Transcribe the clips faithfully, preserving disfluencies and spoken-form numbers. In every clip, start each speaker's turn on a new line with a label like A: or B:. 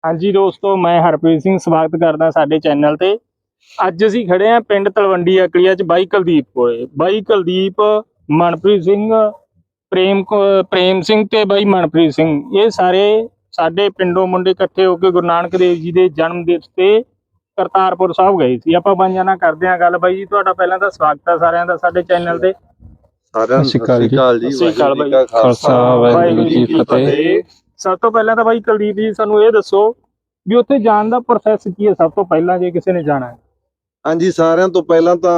A: हाँ जी दोस्तों, मैं हरप्रीत सिंह स्वागत करदा साडे चैनल ते। अज असीं खड़े हैं पिंड तलवंडी अकड़िया च बाई कुलदीप कोले। बाई कुलदीप, मनप्रीत सिंह, प्रेम प्रेम सिंह ते बाई मनप्रीत सिंह, ये सारे साडे पिंडों मुंडे इकट्ठे होकर गुरु नानक देव जी के जन्म दिवस ते करतारपुर साहब गए सी। आपां बाईਆਂ ਨਾਲ ਕਰਦੇ ਆਂ गल। बाई जी तुहाडा पहलां तां स्वागत है सारिਆਂ ਦਾ ਸਾਡੇ चैनल ते।
B: सारिਆਂ ਨੂੰ ਸਤਿ ਸ਼੍ਰੀ ਅਕਾਲ ਜੀ।
A: वाहिगुरू जी का
B: खालसा
A: वाहिगुरू जी की फतेह। सब तो पहले तो भाई कुलदीप जी सानू ये दसो भी उत्थे जाण दा प्रोसैस की है। सब तो पहला जे किसी ने जाना है।
B: हाँ जी, सारिਆਂ ਤੋਂ ਪਹਿਲਾਂ ਤਾਂ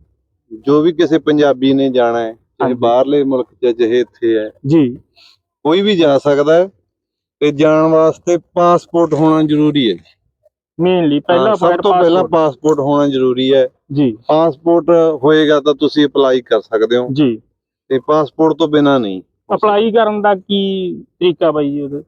B: जो भी किसी पंजाबी ने जाना है, चाहे बाहरले मुल्क च चाहे इत्थे है
A: जी,
B: कोई भी जा सकता है। ते जाण वास्ते पासपोर्ट होना जरूरी है।
A: मेनली पहला
B: हाँ, सब तो पहला पासपोर्ट होना जरूरी है
A: जी।
B: पासपोर्ट होएगा तो तुसी अप्लाई कर सकते हो
A: जी।
B: ते पासपोर्ट तो बिना नहीं।
A: अप्लाई करन दा की तरीका बाई जी? ओदे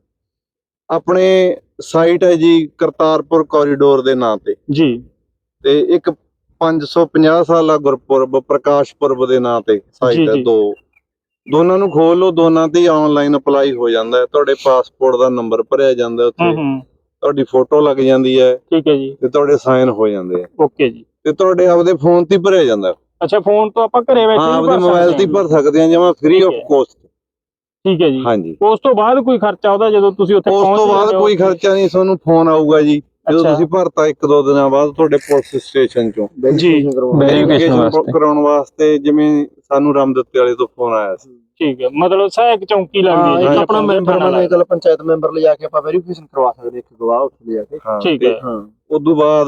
B: अपने साइट है जी करतारपुर कॉरीडोर दे नाम ते
A: जी।
B: ते एक पांच सौ पचास साला गुरपुरब प्रकाश पुरब दे नाम ते साइट है। दो दोनों ਨੂੰ ਖੋਲ ਲਓ, ਦੋਨਾਂ ਤੇ ਆਨਲਾਈਨ ਅਪਲਾਈ ਹੋ ਜਾਂਦਾ ਹੈ। ਤੁਹਾਡੇ ਪਾਸਪੋਰਟ ਦਾ ਨੰਬਰ ਭਰਿਆ ਜਾਂਦਾ ਉੱਥੇ, ਤੁਹਾਡੀ ਫੋਟੋ ਲੱਗ ਜਾਂਦੀ ਹੈ,
A: ਠੀਕ ਹੈ ਜੀ, ਤੇ
B: ਤੁਹਾਡੇ ਸਾਈਨ ਹੋ ਜਾਂਦੇ ਆ।
A: ਓਕੇ ਜੀ।
B: ਤੇ ਤੁਹਾਡੇ ਆਪਦੇ ਫੋਨ ਤੇ ਭਰਿਆ ਜਾਂਦਾ।
A: ਅੱਛਾ, ਫੋਨ ਤੋਂ ਆਪਾਂ ਘਰੇ ਬੈਠੇ
B: ਹਾਂ, ਆਪਦੇ ਮੋਬਾਈਲ ਤੇ ਭਰ ਸਕਦੇ ਆ ਜਮਾ ਫ੍ਰੀ ਆਫ ਕੋਸਟ।
A: ਠੀਕ ਹੈ ਜੀ।
B: ਹਾਂਜੀ,
A: ਉਸ ਤੋਂ ਬਾਅਦ ਕੋਈ ਖਰਚਾ ਉਹਦਾ ਜਦੋਂ ਤੁਸੀਂ ਉੱਥੇ ਪਹੁੰਚ?
B: ਉਸ ਤੋਂ ਬਾਅਦ ਕੋਈ ਖਰਚਾ ਨਹੀਂ, ਤੁਹਾਨੂੰ ਫੋਨ ਆਊਗਾ ਜੀ ਜਦੋਂ ਤੁਸੀਂ ਭਰਤਾ। ਇੱਕ ਦੋ ਦਿਨਾਂ ਬਾਅਦ ਤੁਹਾਡੇ ਪੁਲਿਸ ਸਟੇਸ਼ਨ ਚੋਂ ਵੈਰੀਫਿਕੇਸ਼ਨ ਕਰਾਉਣ ਵਾਸਤੇ, ਜਿਵੇਂ ਸਾਨੂੰ ਰਾਮਦੱਤੇ ਵਾਲੇ ਤੋਂ ਫੋਨ ਆਇਆ ਸੀ।
A: ਠੀਕ ਹੈ, ਮਤਲਬ ਸਹਾਇਕ ਚੌਂਕੀ ਲੱਗਦੀ ਹੈ।
C: ਆਪਣਾ ਮੈਂਬਰ ਮੰਨ ਕੇ ਪੰਚਾਇਤ ਮੈਂਬਰ ਲਿਜਾ ਕੇ ਆਪਾਂ ਵੈਰੀਫਿਕੇਸ਼ਨ ਕਰਵਾ ਸਕਦੇ, ਇੱਕ ਗਵਾਹ ਉੱਥੇ ਲਿਜਾ ਕੇ।
A: ਠੀਕ ਹੈ।
B: ਹਾਂ, ਉਦੋਂ ਬਾਅਦ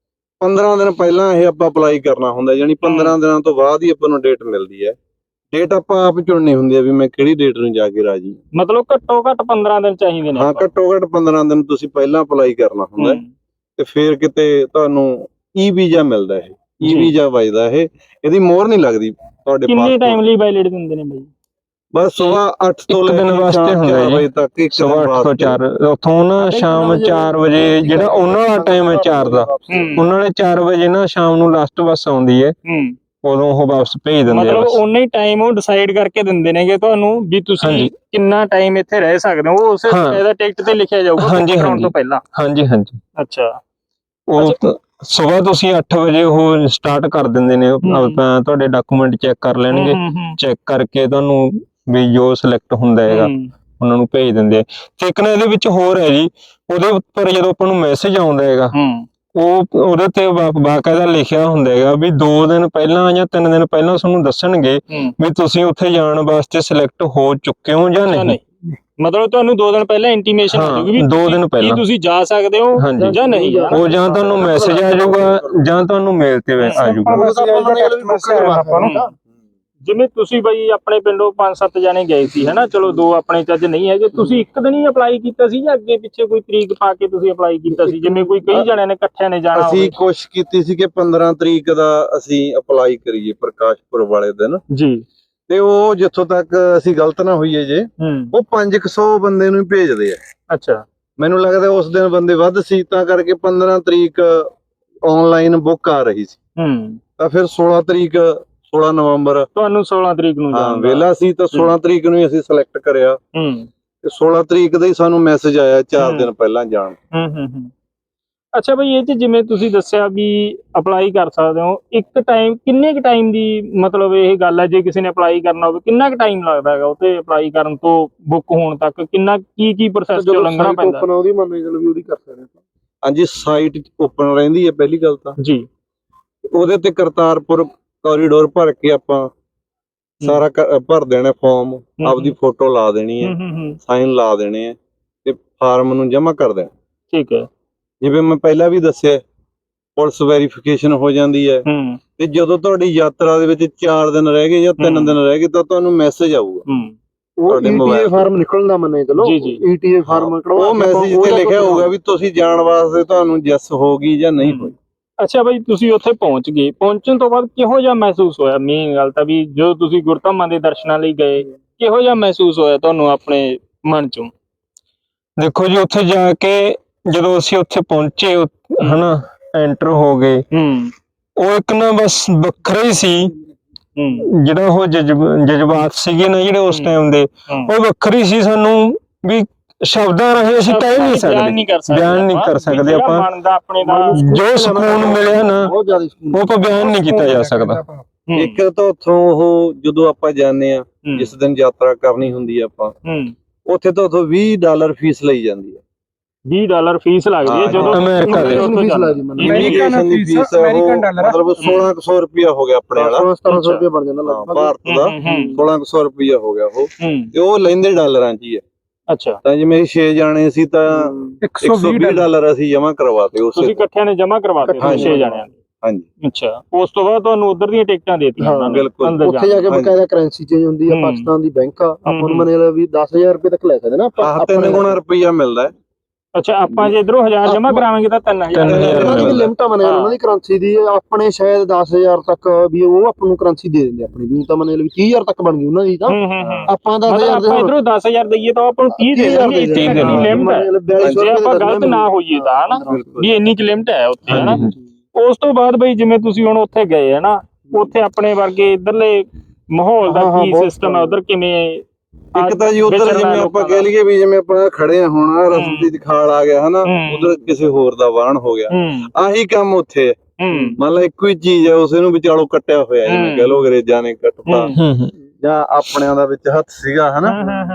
B: ਪੰਦਰਾਂ ਦਿਨ ਪਹਿਲਾਂ ਇਹ ਆਪਾਂ ਅਪਲਾਈ ਕਰਨਾ ਹੁੰਦਾ, ਯਾਨੀ ਪੰਦਰਾਂ ਦਿਨਾਂ ਤੋਂ ਬਾਅਦ ਹੀ ਆਪਾਂ ਨੂੰ ਡੇਟ ਮਿਲਦੀ ਹੈ। ਡੇਟ ਆਪਾਂ ਆਪ ਚੁਣਨੀ ਹੁੰਦੀ ਹੈ ਵੀ ਮੈਂ ਕਿਹੜੀ ਡੇਟ ਨੂੰ ਜਾ ਕੇ ਰਾਜੀ।
A: ਮਤਲਬ ਘੱਟੋ ਘੱਟ ਪੰਦਰਾਂ ਦਿਨ ਚਾਹੀਦੇ ਨੇ?
B: ਹਾਂ, ਘੱਟੋ ਘੱਟ ਪੰਦਰਾਂ ਦਿਨ ਤੁਸੀਂ ਪਹਿਲਾਂ ਅਪਲਾਈ ਕਰਨਾ ਹੁੰਦਾ ਤੇ ਫਿਰ ਕਿਤੇ ਤੁਹਾਨੂੰ ਈ ਵੀਜ਼ਾ ਮਿਲਦਾ। ਇਹ ਈ ਵੀਜ਼ਾ ਵੱਜਦਾ। ਇਹ ਇਹਦੀ ਮੋਹਰ ਨਹੀਂ ਲੱਗਦੀ ਤੁਹਾਡੇ।
A: ਕਿੰਨੇ ਟਾਈਮ ਲਈ ਵੈਲਿਡ ਦਿੰਦੇ ਨੇ ਬਾਈ?
B: ਬਸ ਸਵੇਰ ਅੱਠ ਤੋਂ ਲੈ ਕੇ
D: ਦਿਨ ਵਾਸਤੇ ਹੁੰਦਾ ਜੀ,
B: ਵਜੇ ਤੱਕ। ਇੱਕ
D: ਸਵੇਰ ਅੱਠ ਤੋਂ ਚਾਰ, ਉੱਥੋਂ ਨਾ ਸ਼ਾਮ ਚਾਰ ਵਜੇ ਜਿਹੜਾ ਉਹਨਾਂ ਦਾ ਟਾਈਮ ਹੈ ਚਾਰ ਦਾ, ਉਹਨਾਂ ਨੇ ਚਾਰ ਵਜੇ ਨਾ ਸ਼ਾਮ ਨੂੰ ਲਾਸਟ ਬੱਸ ਆਉਂਦੀ ਹੈ, ਉਦੋਂ ਉਹ ਵਾਪਸ ਭੇਜ ਦਿੰਦੇ ਆ।
A: ਮਤਲਬ ਉਨਾ ਹੀ ਟਾਈਮ ਉਹ ਡਿਸਾਈਡ ਕਰਕੇ ਦਿੰਦੇ ਨੇਗੇ ਤੁਹਾਨੂੰ ਵੀ ਤੁਸੀਂ ਕਿੰਨਾ ਟਾਈਮ ਇੱਥੇ ਰਹਿ ਸਕਦੇ ਹੋ। ਉਹ ਉਸੇ ਇਹਦਾ ਟਿਕਟ ਤੇ ਲਿਖਿਆ ਜਾਊਗਾ ਕਰਾਉਣ ਤੋਂ ਪਹਿਲਾਂ?
D: ਹਾਂਜੀ ਹਾਂਜੀ।
A: ਅੱਛਾ,
D: ਉਹ ਸਵੇਰ ਤੁਸੀਂ ਅੱਠ ਵਜੇ ਉਹ ਸਟਾਰਟ ਕਰ ਦਿੰਦੇ ਨੇ। ਤੁਹਾਡੇ ਡਾਕੂਮੈਂਟ ਚੈੱਕ ਕਰ ਲੈਣਗੇ, ਚੈੱਕ ਕਰਕੇ ਤੁਹਾਨੂੰ ਵੀ ਜੋ ਸਿਲੈਕਟ ਹੁੰਦਾ ਹੈਗਾ ਉਹਨਾਂ ਨੂੰ ਭੇਜ ਦਿੰਦੇ ਆ। ਤੇ ਇੱਕ ਨਾ ਇਹਦੇ ਵਿੱਚ ਹੋਰ ਹੈ ਜੀ, ਉਹਦੇ ਉੱਪਰ ਜਦੋਂ ਆਪਾਂ ਨੂੰ ਮੈਸੇਜ ਆਉਂਦਾ ਹੈਗਾ, ਉਹ ਉਹਦੇ ਤੇ ਬਾਕਾਇਦਾ ਲਿਖਿਆ ਹੁੰਦਾ ਹੈਗਾ ਵੀ ਦੋ ਦਿਨ ਪਹਿਲਾਂ ਜਾਂ ਤਿੰਨ ਦਿਨ ਪਹਿਲਾਂ ਤੁਹਾਨੂੰ ਦੱਸਣਗੇ ਵੀ ਤੁਸੀਂ ਉੱਥੇ ਜਾਣ ਵਾਸਤੇ ਸਿਲੈਕਟ ਹੋ ਚੁੱਕੇ ਹੋ ਜਾਂ ਨਹੀਂ।
A: ਮਤਲਬ ਤੁਹਾਨੂੰ ਦੋ ਦਿਨ ਪਹਿਲਾਂ ਇੰਟੀਮੇਸ਼ਨ ਆ ਜਾਊਗੀ ਵੀ ਦੋ ਦਿਨ ਪਹਿਲਾਂ ਤੁਸੀਂ ਜਾ ਸਕਦੇ ਹੋ ਜਾਂ ਨਹੀਂ।
D: ਉਹ ਜਾਂ ਤੁਹਾਨੂੰ ਮੈਸੇਜ ਆ ਜਾਊਗਾ ਜਾਂ ਤੁਹਾਨੂੰ ਮੇਲ ਤੇ ਆ ਜਾਊਗਾ।
A: ਜਿਵੇਂ ਤੁਸੀਂ ਬਈ ਆਪਣੇ ਪਿੰਡੋਂ ਪੰਜ ਸੱਤ ਜਾਣੇ ਗਏ ਸੀ ਹਨਾ, ਚਲੋ ਦੋ ਆਪਣੇ ਚੱਜ ਨਹੀਂ ਹੈਗੇ, ਤੁਸੀਂ ਇੱਕ ਦਿਨ ਹੀ ਅਪਲਾਈ ਕੀਤਾ ਸੀ ਜਾਂ ਅੱਗੇ ਪਿੱਛੇ ਕੋਈ ਤਰੀਕ ਪਾ ਕੇ ਤੁਸੀਂ ਅਪਲਾਈ ਕੀਤਾ ਸੀ? ਜਿਵੇਂ ਕੋਈ ਕਈ ਜਣਿਆਂ ਨੇ ਇਕੱਠਿਆਂ ਨੇ ਜਾਣਾ।
B: ਅਸੀਂ ਕੋਸ਼ਿਸ਼ ਕੀਤੀ ਸੀ ਕਿ ਪੰਦਰਾਂ ਤਰੀਕ ਦਾ ਅਸੀਂ ਅਪਲਾਈ ਕਰੀਏ ਪ੍ਰਕਾਸ਼ਪੁਰ ਵਾਲੇ ਦਿਨ ਜੀ। ਤੇ ਉਹ ਜਿੱਥੋਂ ਤੱਕ ਅਸੀਂ ਗਲਤ ਨਾ ਹੋਈਏ ਜੇ, ਉਹ ਪੰਜ ਕੁ ਸੌ ਬੰਦੇ ਨੂੰ ਹੀ ਭੇਜਦੇ ਆ।
A: ਅੱਛਾ,
B: ਮੈਨੂੰ ਲੱਗਦਾ ਉਸ ਦਿਨ ਬੰਦੇ ਵੱਧ ਸੀ ਤਾਂ ਕਰਕੇ ਪੰਦਰਾਂ ਤਰੀਕ ਆਨਲਾਈਨ ਬੁੱਕ ਆ ਰਹੀ ਸੀ। ਤਾਂ ਫਿਰ ਸੋਲਾਂ ਤਰੀਕ ਸੋਲਾਂ ਨਵੰਬਰ ਤੁਹਾਨੂੰ
A: ਸੋਲਾਂ ਤਰੀਕ ਨੂੰ
B: ਹਾਂ ਵੇਲਾ ਸੀ, ਤਾਂ ਸੋਲਾਂ ਤਰੀਕ ਨੂੰ ਹੀ ਅਸੀਂ ਸਿਲੈਕਟ ਕਰਿਆ ਤੇ ਸੋਲਾਂ ਤਰੀਕ ਦਾ ਹੀ ਸਾਨੂੰ ਮੈਸੇਜ ਆਇਆ ਚਾਰ ਦਿਨ ਪਹਿਲਾਂ ਜਾਣ।
A: ਅੱਛਾ ਬਈ, ਇਹ ਚ ਜਿਵੇਂ ਤੁਸੀਂ ਦੱਸਿਆ ਵੀ ਅਪਲਾਈ ਕਰ ਸਕਦੇ ਹੋ ਇੱਕ ਟਾਈਮ, ਕਿੰਨੇ ਕੁ ਟਾਈਮ ਦੀ ਮਤਲਬ ਇਹ ਗੱਲ ਹੈ ਜੇ ਕਿਸੇ ਨੇ ਅਪਲਾਈ ਕਰਨਾ ਹੋਵੇ ਕਿੰਨਾ ਕੁ ਟਾਈਮ ਲੱਗਦਾ ਹੈਗਾ ਉੱਥੇ ਅਪਲਾਈ ਕਰਨ ਤੋਂ ਬੁੱਕ ਹੋਣ ਤੱਕ? ਕਿੰਨਾ ਕੀ ਕੀ ਪ੍ਰੋਸੈਸ ਚੋਂ ਲੰਘਣਾ ਪੈਂਦਾ?
C: ਉਹਦੀ ਮੰਨ ਕੇ ਚਲੋ ਵੀ ਉਹਦੀ ਕਰ ਸਕਦੇ ਹਾਂ।
B: ਹਾਂਜੀ, ਸਾਈਟ ਓਪਨ ਰਹਿੰਦੀ ਹੈ ਪਹਿਲੀ ਗੱਲ ਤਾਂ ਜੀ। ਉਹਦੇ ਤੇ ਕਰਤਾਰਪੁਰ ਕੋਰੀਡੋਰ ਭਰ ਕੇ ਆਪਾਂ ਸਾਰਾ ਭਰ ਦੇਣਾ ਫਾਰਮ, ਆਪਦੀ ਫੋਟੋ ਲਾ ਦੇਣੀ ਹੈ, ਸਾਈਨ ਲਾ ਦੇਣੇ ਆ ਤੇ ਫਾਰਮ ਨੂੰ ਜਮ੍ਹਾਂ ਕਰ ਦੇਣਾ।
A: ਠੀਕ ਹੈ।
B: ਜਿਵੇਂ ਮੈਂ ਪਹਿਲਾਂ ਵੀ ਦੱਸਿਆ, ਪੁਲਿਸ ਵੈਰੀਫਿਕੇਸ਼ਨ ਹੋ ਜਾਂਦੀ ਹੈ ਤੇ ਜਦੋਂ ਤੁਹਾਡੀ ਯਾਤਰਾ ਦੇ ਵਿੱਚ ਚਾਰ ਦਿਨ ਰਹਿ ਗਏ ਜਾਂ ਤਿੰਨ ਦਿਨ ਰਹਿ ਗਏ ਤਾਂ ਤੁਹਾਨੂੰ ਮੈਸੇਜ ਆਊਗਾ।
C: ਉਹ ਈਟੀਏ ਫਾਰਮ ਨਿਕਲਣ ਦਾ ਮੰਨੇ ਚਲੋ, ਈਟੀਏ ਫਾਰਮ
B: ਉਹ ਮੈਸੇਜ ਤੇ ਲਿਖਿਆ ਹੋਊਗਾ ਵੀ ਤੁਸੀਂ ਜਾਣ ਵਾਸਤੇ ਤੁਹਾਨੂੰ ਯੈਸ ਹੋ ਗਈ ਜਾਂ ਨਹੀਂ ਹੋਈ।
A: ਅੱਛਾ ਬਈ, ਤੁਸੀਂ ਉੱਥੇ ਪਹੁੰਚ ਗਏ, ਪਹੁੰਚਣ ਤੋਂ ਬਾਅਦ ਕਿਹੋ ਜਿਹਾ ਮਹਿਸੂਸ ਹੋਇਆ? ਮੇਨ ਗੱਲ ਤਾਂ ਵੀ ਜਦੋਂ ਤੁਸੀਂ ਗੁਰਧਾਮਾਂ ਦੇ ਦਰਸ਼ਨਾਂ ਲਈ ਗਏ, ਕਿਹੋ ਜਿਹਾ ਮਹਿਸੂਸ ਹੋਇਆ ਤੁਹਾਨੂੰ ਆਪਣੇ ਮਨ ਚੋਂ?
D: ਦੇਖੋ ਜੀ, ਉੱਥੇ ਜਾ ਕੇ ਜਦੋਂ ਅਸੀਂ ਉੱਥੇ ਪਹੁੰਚੇ ਹਨਾ, ਐਂਟਰ ਹੋ ਗਏ, ਉਹ ਇੱਕ ਨਾ ਬਸ ਵੱਖਰਾ ਹੀ ਸੀ ਜਿਹੜਾ ਉਹ ਜਜ਼ਬਾਤ ਸੀਗੇ ਨਾ ਜਿਹੜੇ ਉਸ ਟਾਈਮ ਦੇ, ਉਹ ਵੱਖਰੀ ਸੀ। ਸਾਨੂੰ ਵੀ ਸ਼ਬਦਾਂ ਰਾਹੀਂ ਅਸੀਂ ਕਹਿ ਨਹੀਂ
A: ਬਿਆਨ
D: ਸਕਦੇ
A: ਨਹੀਂ ਕਰ ਸਕਦੇ
D: ਬਿਆਨ ਨਹੀਂ ਕਰ ਸਕਦੇ
A: ਜਿਹੜਾ
D: ਆਪਾਂ
A: ਮਨ ਦਾ ਆਪਣੇ ਦਾ
D: ਜੋ ਸਕੂਨ ਮਿਲਿਆ ਨਾ
C: ਬਹੁਤ ਜ਼ਿਆਦਾ ਸਕੂਨ
D: ਉਹ ਆਪਾਂ ਬਿਆਨ ਨਹੀਂ ਕੀਤਾ ਜਾ ਸਕਦਾ।
A: ਹੂੰ,
B: ਇੱਕ ਤਾਂ ਉੱਥੋਂ ਉਹ ਜਦੋਂ ਆਪਾਂ ਜਾਂਦੇ ਆ
A: ਹੂੰ,
B: ਜਿਸ ਦਿਨ ਯਾਤਰਾ ਕਰਨੀ ਹੁੰਦੀ ਆ ਆਪਾਂ
A: ਹੂੰ,
B: ਉੱਥੇ ਤਾਂ ਉੱਥੋਂ ਵੀਹ ਡਾਲਰ ਫੀਸ ਲਈ ਜਾਂਦੀ ਹੈ।
A: ਵੀਹ ਡਾਲਰ ਫੀਸ ਲੱਗਦੀ ਹੈ
B: ਹਾਂ,
A: ਜਦੋਂ
D: ਅਮਰੀਕਾ ਦੇ।
A: ਉੱਥੋਂ
C: ਫੀਸ
A: ਜਾਂਦੇ।
C: ਲੱਗਦੀ ਮੈਨੂੰ
B: ਇਮੀਗ੍ਰੇਸ਼ਨ ਦੀ ਫੀਸ ਮਤਲਬ ਸੋਲਾਂ ਕੁ ਸੌ ਰੁਪਇਆ ਹੋ ਗਿਆ ਆਪਣੇ ਵਾਲਾ
C: ਸਤਾਰਾਂ ਸੌ ਰੁਪਏ ਬਣ ਜਾਂਦਾ
B: ਹਾਂ,
C: ਲਗਭਗ।
B: ਭਾਰਤ ਦਾ
A: ਹੂੰ, ਹੂੰ,
B: ਸੋਲਾਂ ਕੁ ਸੌ ਰੁਪਇਆ ਹੋ ਗਿਆ ਉਹ
A: ਹੂੰ,
B: ਤੇ ਉਹ ਲੈਂਦੇ ਡਾਲਰਾਂ 'ਚ ਹੀ ਹੈ।
A: ਅੱਛਾ
B: ਤਾਂ ਜਿਵੇਂ ਛੇ ਜਾਣੇ ਸੀ ਤਾਂ ਇੱਕ ਸੌ ਵੀਹ ਡਾਲਰ ਅਸੀਂ ਜਮ੍ਹਾਂ ਕਰਵਾਤੇ
A: ਤੁਸੀਂ
B: ਉਸੇ
A: ਇਕੱਠਿਆਂ ਨੇ ਜਮ੍ਹਾਂ ਕਰਵਾਤੇ
C: ਹਾਂਜੀ,
A: ਛੇ ਜਣਿਆਂ ਨੇ।
B: ਹਾਂਜੀ
A: ਅੱਛਾ ਉਸ ਤੋਂ ਬਾਅਦ ਤੁਹਾਨੂੰ ਉਧਰ ਦੀਆਂ ਟਿਕਟਾਂ ਦੇਤੀਆਂ
C: ਹਾਂ,
A: ਉਹਨਾਂ ਨੇ
B: ਬਿਲਕੁਲ।
A: ਅੰਦਰ
C: ਉੱਥੇ ਜਾ ਕੇ
B: ਹਾਂਜੀ।
C: ਬਕਾਇਦਾ ਕਰੰਸੀ ਚੇਂਜ ਹੁੰਦੀ ਆ
A: ਹੂੰ।
C: ਪਾਕਿਸਤਾਨ ਦੀ ਬੈਂਕ ਆ ਆਪਾਂ
A: ਹੂੰ।
C: ਨੂੰ ਮਨੇ ਵੀ ਦਸ ਹਜ਼ਾਰ ਰੁਪਏ ਤੱਕ ਲੈ ਸਕਦੇ ਨਾ ਆਪਾਂ
B: ਆਹ ਤਿੰਨ ਗੁਣਾ ਰੁਪਇਆ ਮਿਲਦਾ ਹੈ।
A: ਅੱਛਾ ਆਪਾਂ ਜੇ ਇਧਰੋਂ ਹਜ਼ਾਰ ਜਮ੍ਹਾਂ ਕਰਾਵਾਂਗੇ ਤਾਂ ਤਿੰਨ ਹਜ਼ਾਰ
D: ਤਿੰਨ ਹਜ਼ਾਰ
C: ਉਹਨਾਂ ਦੀ ਵੀ
D: ਮਿਲਦਾ।
C: ਲਿਮਟ ਆ ਮਨੇ
A: ਹਾਂ।
C: ਉਹਨਾਂ ਦੀ ਕਰੰਸੀ ਦੀ ਆਪਣੇ ਸ਼ਾਇਦ ਦਸ ਹਜ਼ਾਰ ਤੱਕ ਵੀ ਉਹ ਆਪਾਂ ਨੂੰ ਕਰੰਸੀ ਦੇ ਦਿੰਦੇ ਆਪਣੀ ਵੀ ਤਾਂ ਮਨੇ ਵੀ ਤੀਹ ਹਜ਼ਾਰ ਤੱਕ ਬਣ ਗਈ ਉਹਨਾਂ ਦੀ ਤਾਂ
A: ਹੂੰ ਹੂੰ ਹੂੰ
C: ਆਪਾਂ ਦਸ
A: ਮਤਲਬ
C: ਹਜ਼ਾਰ
A: ਆਪਾਂ ਇਧਰੋਂ ਦਸ ਹਜ਼ਾਰ ਦਈਏ ਤਾਂ ਉਹ ਆਪਾਂ ਨੂੰ ਤੀਹ ਦੇ ਦੇਣਗੇ
C: ਦੇ
A: ਤੀਹ ਦੀ ਲਿਮਟ ਹੈ ਜੇ ਆਪਾਂ ਗਲਤ ਨਾ ਹੋਈਏ ਤਾਂ ਹਨਾ ਵੀ ਇੰਨੀ ਕੁ ਲਿਮਟ ਹੈ ਉੱਥੇ ਹਨਾ। ਉਸ ਤੋਂ ਬਾਅਦ ਬਈ ਜਿਵੇਂ ਤੁਸੀਂ ਹੁਣ ਉੱਥੇ ਗਏ ਹਨਾ ਉੱਥੇ ਆਪਣੇ ਵਰਗੇ ਇਧਰਲੇ ਮਾਹੌਲ ਦਾ
C: ਹਾਂ, ਹਾਂ,
A: ਕੀ
C: ਬਹੁਤ
A: ਸਿਸਟਮ ਹੈ ਉਧਰ ਕਿਵੇਂ
B: ਇੱਕ ਤਾਂ ਜੀ ਉਧਰ ਜਿਵੇਂ ਆਪਾਂ ਕਹਿ ਲਈਏ ਵੀ ਜਿਵੇਂ ਆਪਾਂ ਖੜੇ ਆ ਹੁਣ ਆਹ ਰਸਤੇ 'ਚ ਖਾਲ ਆ ਗਿਆ ਹਨਾ
A: ਹੂੰ।
B: ਉਧਰ ਕਿਸੇ ਹੋਰ ਦਾ ਵਾਹਣ ਹੋ ਗਿਆ
A: ਹੂੰ
B: ਆਹੀ ਕੰਮ ਉੱਥੇ ਹੈ।
A: ਹੂੰ
B: ਮੰਨ ਲਾ ਇੱਕੋ ਹੀ ਚੀਜ਼ ਹੈ ਉਸੇ ਨੂੰ ਵਿਚਾਲੋਂ ਕੱਟਿਆ ਹੋਇਆ ਜਿਵੇਂ ਕਹਿ ਲਓ ਅੰਗਰੇਜ਼ਾਂ ਨੇ ਕੱਟਤਾ
A: ਹੂੰ
D: ਹੂੰ ਹੂੰ
B: ਜਾਂ ਆਪਣਿਆਂ ਦਾ ਵਿੱਚ ਹੱਥ ਸੀਗਾ ਹਨਾ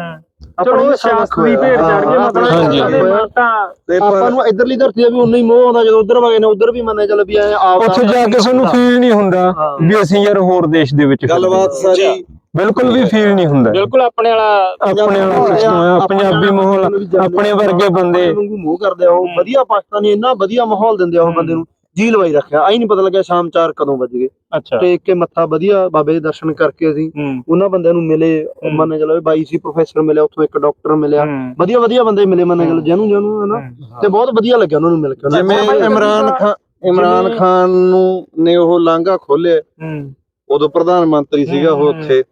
A: ਚਲੋ ਸ਼ਾਸਤਰੀ ਭੇਡ ਚੜ ਗਏ ਮਤਲਬ
D: ਹਾਂਜੀ।
A: ਉਹਨਾਂ ਦੇ ਮਨ ਤਾਂ
B: ਤੇ
C: ਆਪਾਂ
B: ਪਰ
C: ਨੂੰ ਇਧਰਲੀ ਧਰਤੀ ਦਾ ਵੀ ਉਨਾ ਹੀ ਮੋਹ ਆਉਂਦਾ ਜਦੋਂ ਉਧਰ ਵਗੇ ਨੇ ਉਧਰ ਵੀ ਮੰਨੇ ਚੱਲ ਵੀ ਐ ਆਪ
D: ਉੱਥੇ ਜਾ ਕੇ ਸਾਨੂੰ ਫੀਲ ਨਹੀਂ ਹੁੰਦਾ ਵੀ ਅਸੀਂ ਯਾਰ ਹੋਰ ਦੇਸ਼ ਦੇ ਵਿੱਚ ਫਿਰਦੇ
B: ਗੱਲਬਾਤ
D: ਹਾਂ।
B: ਸਾਰੀ
D: ਬਿਲਕੁਲ ਵੀ ਫੀਲ ਨਹੀਂ ਹੁੰਦਾ
A: ਬਿਲਕੁਲ ਆਪਣੇ ਵਾਲਾ
D: ਆਪਣੇ ਵਾਲਾ ਸਿਸਟਮ ਹੈ ਪੰਜਾਬੀ ਮਾਹੌਲ ਆਪਣੇ ਵਰਗੇ ਬੰਦੇ
C: ਵਾਂਗੂ ਮੋਹ ਕਰਦੇ ਆ ਉਹ ਵਧੀਆ ਪਾਕਿਸਤਾਨੀ ਇੰਨਾ ਵਧੀਆ ਮਾਹੌਲ ਦਿੰਦੇ ਆ ਉਹ ਬੰਦੇ ਨੂੰ ਜੀ ਲਵਾਈ ਰੱਖਿਆ ਆਈ ਨਹੀਂ ਪਤਾ ਲੱਗਿਆ ਸ਼ਾਮ ਚਾਰ ਕਦੋਂ ਵੱਜ ਗਏ
A: ਅੱਛਾ
C: ਟੇਕ ਕੇ ਮੱਥਾ ਵਧੀਆ ਬਾਬੇ ਦੇ ਦਰਸ਼ਨ ਕਰਕੇ ਅਸੀਂ
A: ਹੂੰ
C: ਉਹਨਾਂ ਬੰਦਿਆਂ ਨੂੰ ਮਿਲੇ ਮੰਨੇ ਚਲੋ ਬਾਈ ਸੀ ਪ੍ਰੋਫੈਸਰ ਮਿਲਿਆ ਉੱਥੋਂ ਇੱਕ ਡਾਕਟਰ ਮਿਲਿਆ
A: ਹੂੰ
C: ਵਧੀਆ ਵਧੀਆ ਬੰਦੇ ਮਿਲੇ ਮੰਨੇ ਚਲੋ ਜਿਹਨੂੰ ਜਿਹਨੂੰ ਹਨਾ ਤੇ ਬਹੁਤ ਵਧੀਆ ਲੱਗਿਆ ਉਹਨਾਂ ਨੂੰ ਮਿਲ ਕੇ ਉਹਨਾਂ
B: ਜਿਵੇਂ
C: ਨੂੰ।
B: ਇਮਰਾਨ ਖਾਨ ਇਮਰਾਨ
A: ਜਿਵੇਂ-
B: ਖਾਨ ਨੂੰ ਨੇ ਉਹ ਲਾਂਘਾ ਖੋਲਿਆ
A: ਹੂੰ
B: ਉਦੋਂ ਪ੍ਰਧਾਨ ਮੰਤਰੀ ਸੀਗਾ ਉਹ ਉੱਥੇ